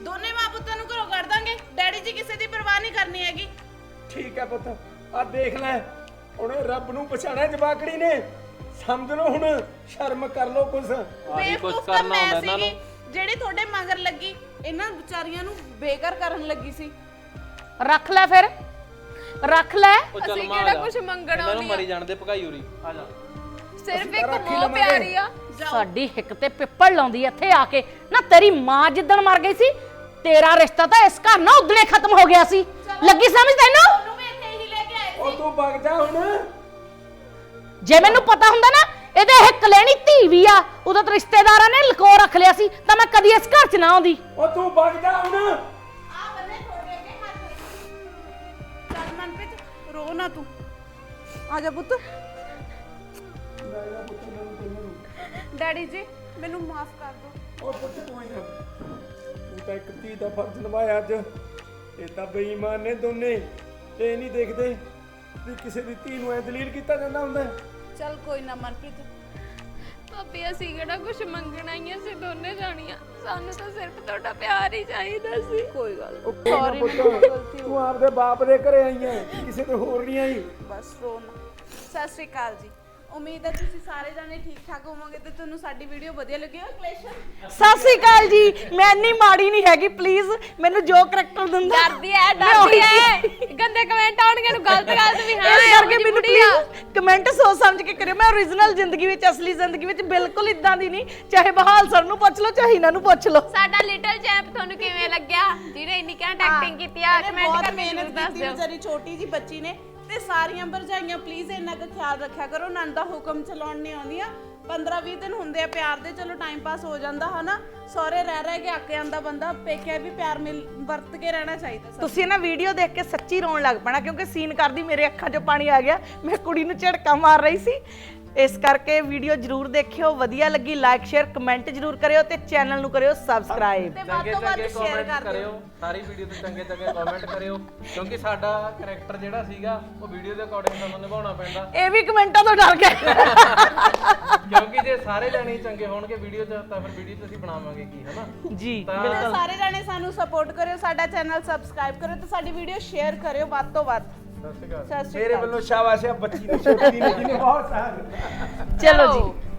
Speaker 3: ਦੋਨੇ ਮਾਂ ਪੁੱਤਾਂ ਨੂੰ ਘਰੋਂ ਕੱਢ ਦਾਂਗੇ, ਡੈਡੀ ਜੀ ਕਿਸੇ ਦੀ ਪਰਵਾਹ ਨਹੀਂ ਕਰਨੀ ਹੈਗੀ।
Speaker 6: ਠੀਕ ਹੈ ਪੁੱਤ, ਆ ਦੇਖ ਲੈ ਉਹਨੇ ਰੱਬ ਨੂੰ ਪਛਾਣਿਆ ਜਵਾਕੜੀ ਨੇ। ਸਮਝ ਲਓ ਹੁਣ, ਸ਼ਰਮ ਕਰ ਲਓ ਕੁਛ।
Speaker 7: ਆਹੀ ਕੁਝ
Speaker 3: ਬੇਵਕੂਫ ਤਾਂ
Speaker 7: ਕਰਨਾ
Speaker 3: ਮੈਂ
Speaker 7: ਹੁੰਦਾ ਇਹਨਾਂ
Speaker 3: ਸੀਗੀ,
Speaker 7: ਨੂੰ।
Speaker 3: ਜਿਹੜੀ ਤੁਹਾਡੇ ਮਗਰ ਲੱਗੀ, ਇਹਨਾਂ ਵਿਚਾਰੀਆਂ ਨੂੰ ਬੇਘਰ ਕਰਨ ਲੱਗੀ ਸੀ।
Speaker 1: ਰੱਖ ਲੈ ਫਿਰ, ਰੱਖ ਲੈ।
Speaker 7: ਉਹ ਚੱਲ
Speaker 2: ਅਸੀਂ
Speaker 7: ਮਾਂ
Speaker 2: ਕਿਹੜਾ
Speaker 7: ਜਾ।
Speaker 2: ਕੁਛ ਮੰਗਣਾ
Speaker 7: ਇਹਨਾਂ ਨੂੰ
Speaker 2: ਨਹੀਂ ਆ।
Speaker 7: ਮਰੀ ਜਾਣ ਦੇ ਭਗਾਈ ਉਰੀ ਆ ਜਾ।
Speaker 2: ਸਿਰਫ
Speaker 6: ਤਾਂ
Speaker 2: ਇੱਕ
Speaker 6: ਰੱਖ ਹੀ
Speaker 2: ਮੋਹ
Speaker 6: ਲਵਾਂਗੇ।
Speaker 2: ਪਿਆਰੀ ਆ।
Speaker 1: ਸਾਡੀ ਹਿੱਕ ਤੇ ਪਿੱਪਲ ਲਾਉਂਦੀ ਇੱਥੇ ਆ ਕੇ ਨਾ। ਤੇਰੀ ਮਾਂ ਜਿੱਦਣ ਮਰ ਗਈ ਸੀ, ਤੇਰਾ ਰਿਸ਼ਤਾ ਤਾਂ ਇਸ ਘਰ ਨਾਲ ਉਦਣੇ ਖਤਮ ਹੋ ਗਿਆ ਸੀ। ਲੱਗੀ ਸਮਝ ਤੈਨੂੰ?
Speaker 3: ਉਹਨੂੰ ਵੀ ਇੱਥੇ ਹੀ ਲੈ ਕੇ ਆਏ
Speaker 6: ਉਹ ਤੂੰ ਵਗ ਜਾ ਹੁਣ।
Speaker 1: ਜੇ ਮੈਨੂੰ ਪਤਾ ਹੁੰਦਾ ਨਾ ਇਹਦੇ ਇਹ ਕਲੇਣੀ ਧੀ ਵੀ ਆ, ਉਦੋਂ ਤਾਂ ਰਿਸ਼ਤੇਦਾਰਾਂ ਨੇ ਲਕੋ ਰੱਖ ਲਿਆ ਸੀ, ਤਾਂ ਮੈਂ ਕਦੀ ਇਸ ਘਰ 'ਚ ਨਾ ਆਉਂਦੀ।
Speaker 6: ਉਹ ਤੂੰ ਵਗ ਜਾ ਹੁਣ।
Speaker 3: ਆ ਬੰਨੇ ਥੋੜੇ ਅੱਗੇ ਹੱਥ। ਚੱਲ ਮਨਪ੍ਰੀਤ, ਰੋ ਨਾ ਤੂੰ, ਆ ਜਾ ਪੁੱਤ। ਡੈਡੀ ਜੀ ਮੈਨੂੰ ਮਾਫ ਕਰ ਦਿਓ।
Speaker 6: ਉਹ ਪੁੱਤ ਕੋਈ ਨਾ, ਤੂੰ ਤਾਂ ਇੱਕ ਧੀ ਦਾ ਫਰਜ਼ ਨਿਭਾਇਆ ਅੱਜ। ਇਹ ਤਾਂ ਬੇਈਮਾਨ ਨੇ ਦੋਨੇ, ਇਹ ਨਹੀਂ ਦੇਖਦੇ ਵੀ ਕਿਸੇ ਦੀ ਧੀ ਨੂੰ ਐ ਦਲੀਲ ਕੀਤਾ ਜਾਂਦਾ ਹੁੰਦਾ।
Speaker 3: ਚੱਲ ਕੋਈ ਨਾ ਮਨਪ੍ਰੀਤ।
Speaker 2: ਭਾਬੀ ਅਸੀਂ ਕਿਹੜਾ ਕੁਛ ਮੰਗਣਾ ਹੀ ਆ, ਅਸੀਂ ਦੋਨੇ ਜਾਣੀਆਂ। ਸਾਨੂੰ ਤਾਂ ਸਿਰਫ ਤੁਹਾਡਾ ਪਿਆਰ ਹੀ ਚਾਹੀਦਾ ਸੀ।
Speaker 3: ਕੋਈ ਗੱਲ ਨੀ।
Speaker 6: ਉਹ ਕੋਈ ਨਾ ਪੁੱਤ, ਤੂੰ ਆਪਦੇ ਬਾਪ ਦੇ ਘਰੇ ਆਈ ਐ, ਕਿਸੇ ਦੇ ਹੋਰ ਨਹੀਂ ਆਈ।
Speaker 3: ਬਸ ਰੋ ਨਾ। ਸਤਿ ਸ਼੍ਰੀ ਅਕਾਲ ਜੀ। ਉਮੀਦ ਹੈ ਤੁਸੀਂ ਸਾਰੇ ਜਾਣੇ ਠੀਕ ਠਾਕ ਹੋਵੋਗੇ ਤੇ ਤੁਹਾਨੂੰ ਸਾਡੀ ਵੀਡੀਓ ਵਧੀਆ ਲੱਗੀ ਹੋ। ਕਲੇਸ਼ਨ
Speaker 1: ਸਤਿ ਸ੍ਰੀ ਅਕਾਲ ਜੀ, ਮੈਂ ਇੰਨੀ ਮਾੜੀ ਨਹੀਂ ਹੈਗੀ, ਪਲੀਜ਼ ਮੈਨੂੰ ਜੋ ਕਰੈਕਟਰ ਦਿੰਦਾ
Speaker 2: ਡਰਦੀ ਐ, ਡਰਦੀ ਐ। ਗੰਦੇ ਕਮੈਂਟ ਆਉਣਗੇ ਨੂੰ ਗਲਤ ਗਲਤ ਵੀ ਹਾਂ
Speaker 1: ਇਸ
Speaker 2: ਇਹੋ
Speaker 1: ਕਰਕੇ
Speaker 2: ਜਿਹੀ
Speaker 1: ਮੈਨੂੰ
Speaker 2: ਬੁੜੀ ਆ।
Speaker 1: ਪਲੀਜ਼ ਕਮੈਂਟ ਸੋਚ ਸਮਝ ਕੇ ਕਰਿਓ। ਮੈਂ ਓਰੀਜਨਲ ਜ਼ਿੰਦਗੀ ਵਿੱਚ, ਅਸਲੀ ਜ਼ਿੰਦਗੀ ਵਿੱਚ ਬਿਲਕੁਲ ਇਦਾਂ ਦੀ ਨਹੀਂ। ਚਾਹੇ ਬਹਾਲ ਸਰ ਨੂੰ ਪੁੱਛ ਲਓ, ਚਾਹੇ ਇਹਨਾਂ ਨੂੰ ਪੁੱਛ ਲਓ।
Speaker 2: ਸਾਡਾ ਲਿਟਲ ਚੈਂਪ ਤੁਹਾਨੂੰ ਕਿਵੇਂ ਲੱਗਿਆ, ਜਿਹਨੇ ਇੰਨੀ ਘੈਂਟ ਐਕਟਿੰਗ ਕੀਤੀ ਆ? ਕਮੈਂਟ
Speaker 3: ਬਹੁਤ
Speaker 2: ਕਰਕੇ
Speaker 3: ਮਿਹਨਤ
Speaker 2: ਜ਼ਰੂਰ ਦੱਸ
Speaker 3: ਕੀਤੀ
Speaker 2: ਦਿਓ।
Speaker 3: ਵਿਚਾਰੀ ਛੋਟੀ ਜੀ ਬੱਚੀ ਨੇ। ਤੇ ਸਾਰੀਆਂ ਭਰਜਾਈਆਂ ਪਲੀਜ਼ ਇੰਨਾ ਕੁ ਖਿਆਲ ਰੱਖਿਆ ਕਰੋ, ਨੰਦ ਦਾ ਹੁਕਮ ਚਲਾਉਣ ਨਹੀਂ ਆਉਂਦੀਆਂ। 15-20 ਦਿਨ ਹੁੰਦੇ ਆ ਪਿਆਰ ਦੇ, ਚਲੋ ਟਾਈਮ ਪਾਸ ਹੋ ਜਾਂਦਾ ਹਨਾ। ਸਹੁਰੇ ਰਹਿ ਕੇ ਅੱਕ ਜਾਂਦਾ ਬੰਦਾ, ਪੇਕੇ ਵੀ ਪਿਆਰ ਵਰਤ ਕੇ ਰਹਿਣਾ ਚਾਹੀਦਾ।
Speaker 1: ਤੁਸੀਂ ਨਾ ਵੀਡੀਓ ਦੇਖ ਕੇ ਸੱਚੀ ਰੋਣ ਲੱਗ ਪੈਣਾ, ਕਿਉਂਕਿ ਸੀਨ ਕਰਦੀ ਮੇਰੇ ਅੱਖਾਂ 'ਚੋਂ ਪਾਣੀ ਆ ਗਿਆ। ਮੈਂ ਕੁੜੀ ਨੂੰ ਝੜਕਾ ਮਾਰ ਰਹੀ ਸੀ। ਇਸ ਕਰਕੇ ਵੀਡੀਓ ਜਰੂਰ ਦੇਖਿਓ, ਵਧੀਆ ਲੱਗੀ ਲਾਈਕ ਸ਼ੇਅਰ ਕਮੈਂਟ ਜਰੂਰ ਕਰਿਓ ਤੇ ਚੈਨਲ ਨੂੰ ਕਰਿਓ ਸਬਸਕ੍ਰਾਈਬ।
Speaker 3: ਤੇ ਵੱਧ
Speaker 7: ਚੰਗੇ
Speaker 3: ਤੋਂ ਵੱਧ
Speaker 7: ਚੰਗੇ
Speaker 3: ਸ਼ੇਅਰ
Speaker 7: ਕਮੈਂਟ
Speaker 3: ਕਰ ਦਿਓ।
Speaker 7: ਕਰਿਓ, ਸਾਰੀ ਵੀਡੀਓ ਤੇ ਚੰਗੇ ਚੰਗੇ ਕਮੈਂਟ ਕਰਿਓ, ਕਿਉਂਕਿ ਸਾਡਾ ਕੈਰੈਕਟਰ ਜਿਹੜਾ ਸੀਗਾ ਉਹ ਵੀਡੀਓ ਦੇ ਅਕੋਰਡਿੰਗ ਸਾਨੂੰ ਨਿਭਾਉਣਾ ਪੈਂਦਾ।
Speaker 1: ਇਹ ਵੀ ਕਮੈਂਟਾਂ ਤੋਂ ਡਰ ਗਏ।
Speaker 7: ਕਿਉਂਕਿ ਜੇ ਸਾਰੇ ਜਾਣੇ ਚੰਗੇ ਹੋਣਗੇ ਵੀਡੀਓ 'ਚ ਤਾਂ ਫਿਰ ਵੀਡੀਓ 'ਚ ਅਸੀਂ ਬਣਾਵਾਂਗੇ ਕੀ, ਹਨਾ?
Speaker 1: ਜੀ
Speaker 7: ਤਾਂ
Speaker 3: ਤੇ ਸਾਰੇ ਜਾਣੇ ਸਾਨੂੰ ਸਪੋਰਟ ਕਰਿਓ, ਸਾਡਾ ਚੈਨਲ ਸਬਸਕ੍ਰਾਈਬ ਕਰਿਓ ਤੇ ਸਾਡੀ ਵੀਡੀਓ ਸ਼ੇਅਰ ਕਰਿਓ ਵੱਧ ਤੋਂ ਵੱਧ।
Speaker 7: ਸਤਿ ਸ਼੍ਰੀ ਅਕਾਲ।
Speaker 3: ਸਤਿ ਸ਼੍ਰੀ
Speaker 6: ਮੇਰੇ
Speaker 3: ਅਕਾਲ।
Speaker 6: ਵੱਲੋਂ ਸ਼ਾਬਾਸ਼ ਹੈ ਬੱਚੀ ਨੂੰ, ਛੋਟੀ ਨੂੰ, ਜਿਹਨੇ ਬਹੁਤ ਸਾਰ
Speaker 1: ਚਲੋ ਜੀ।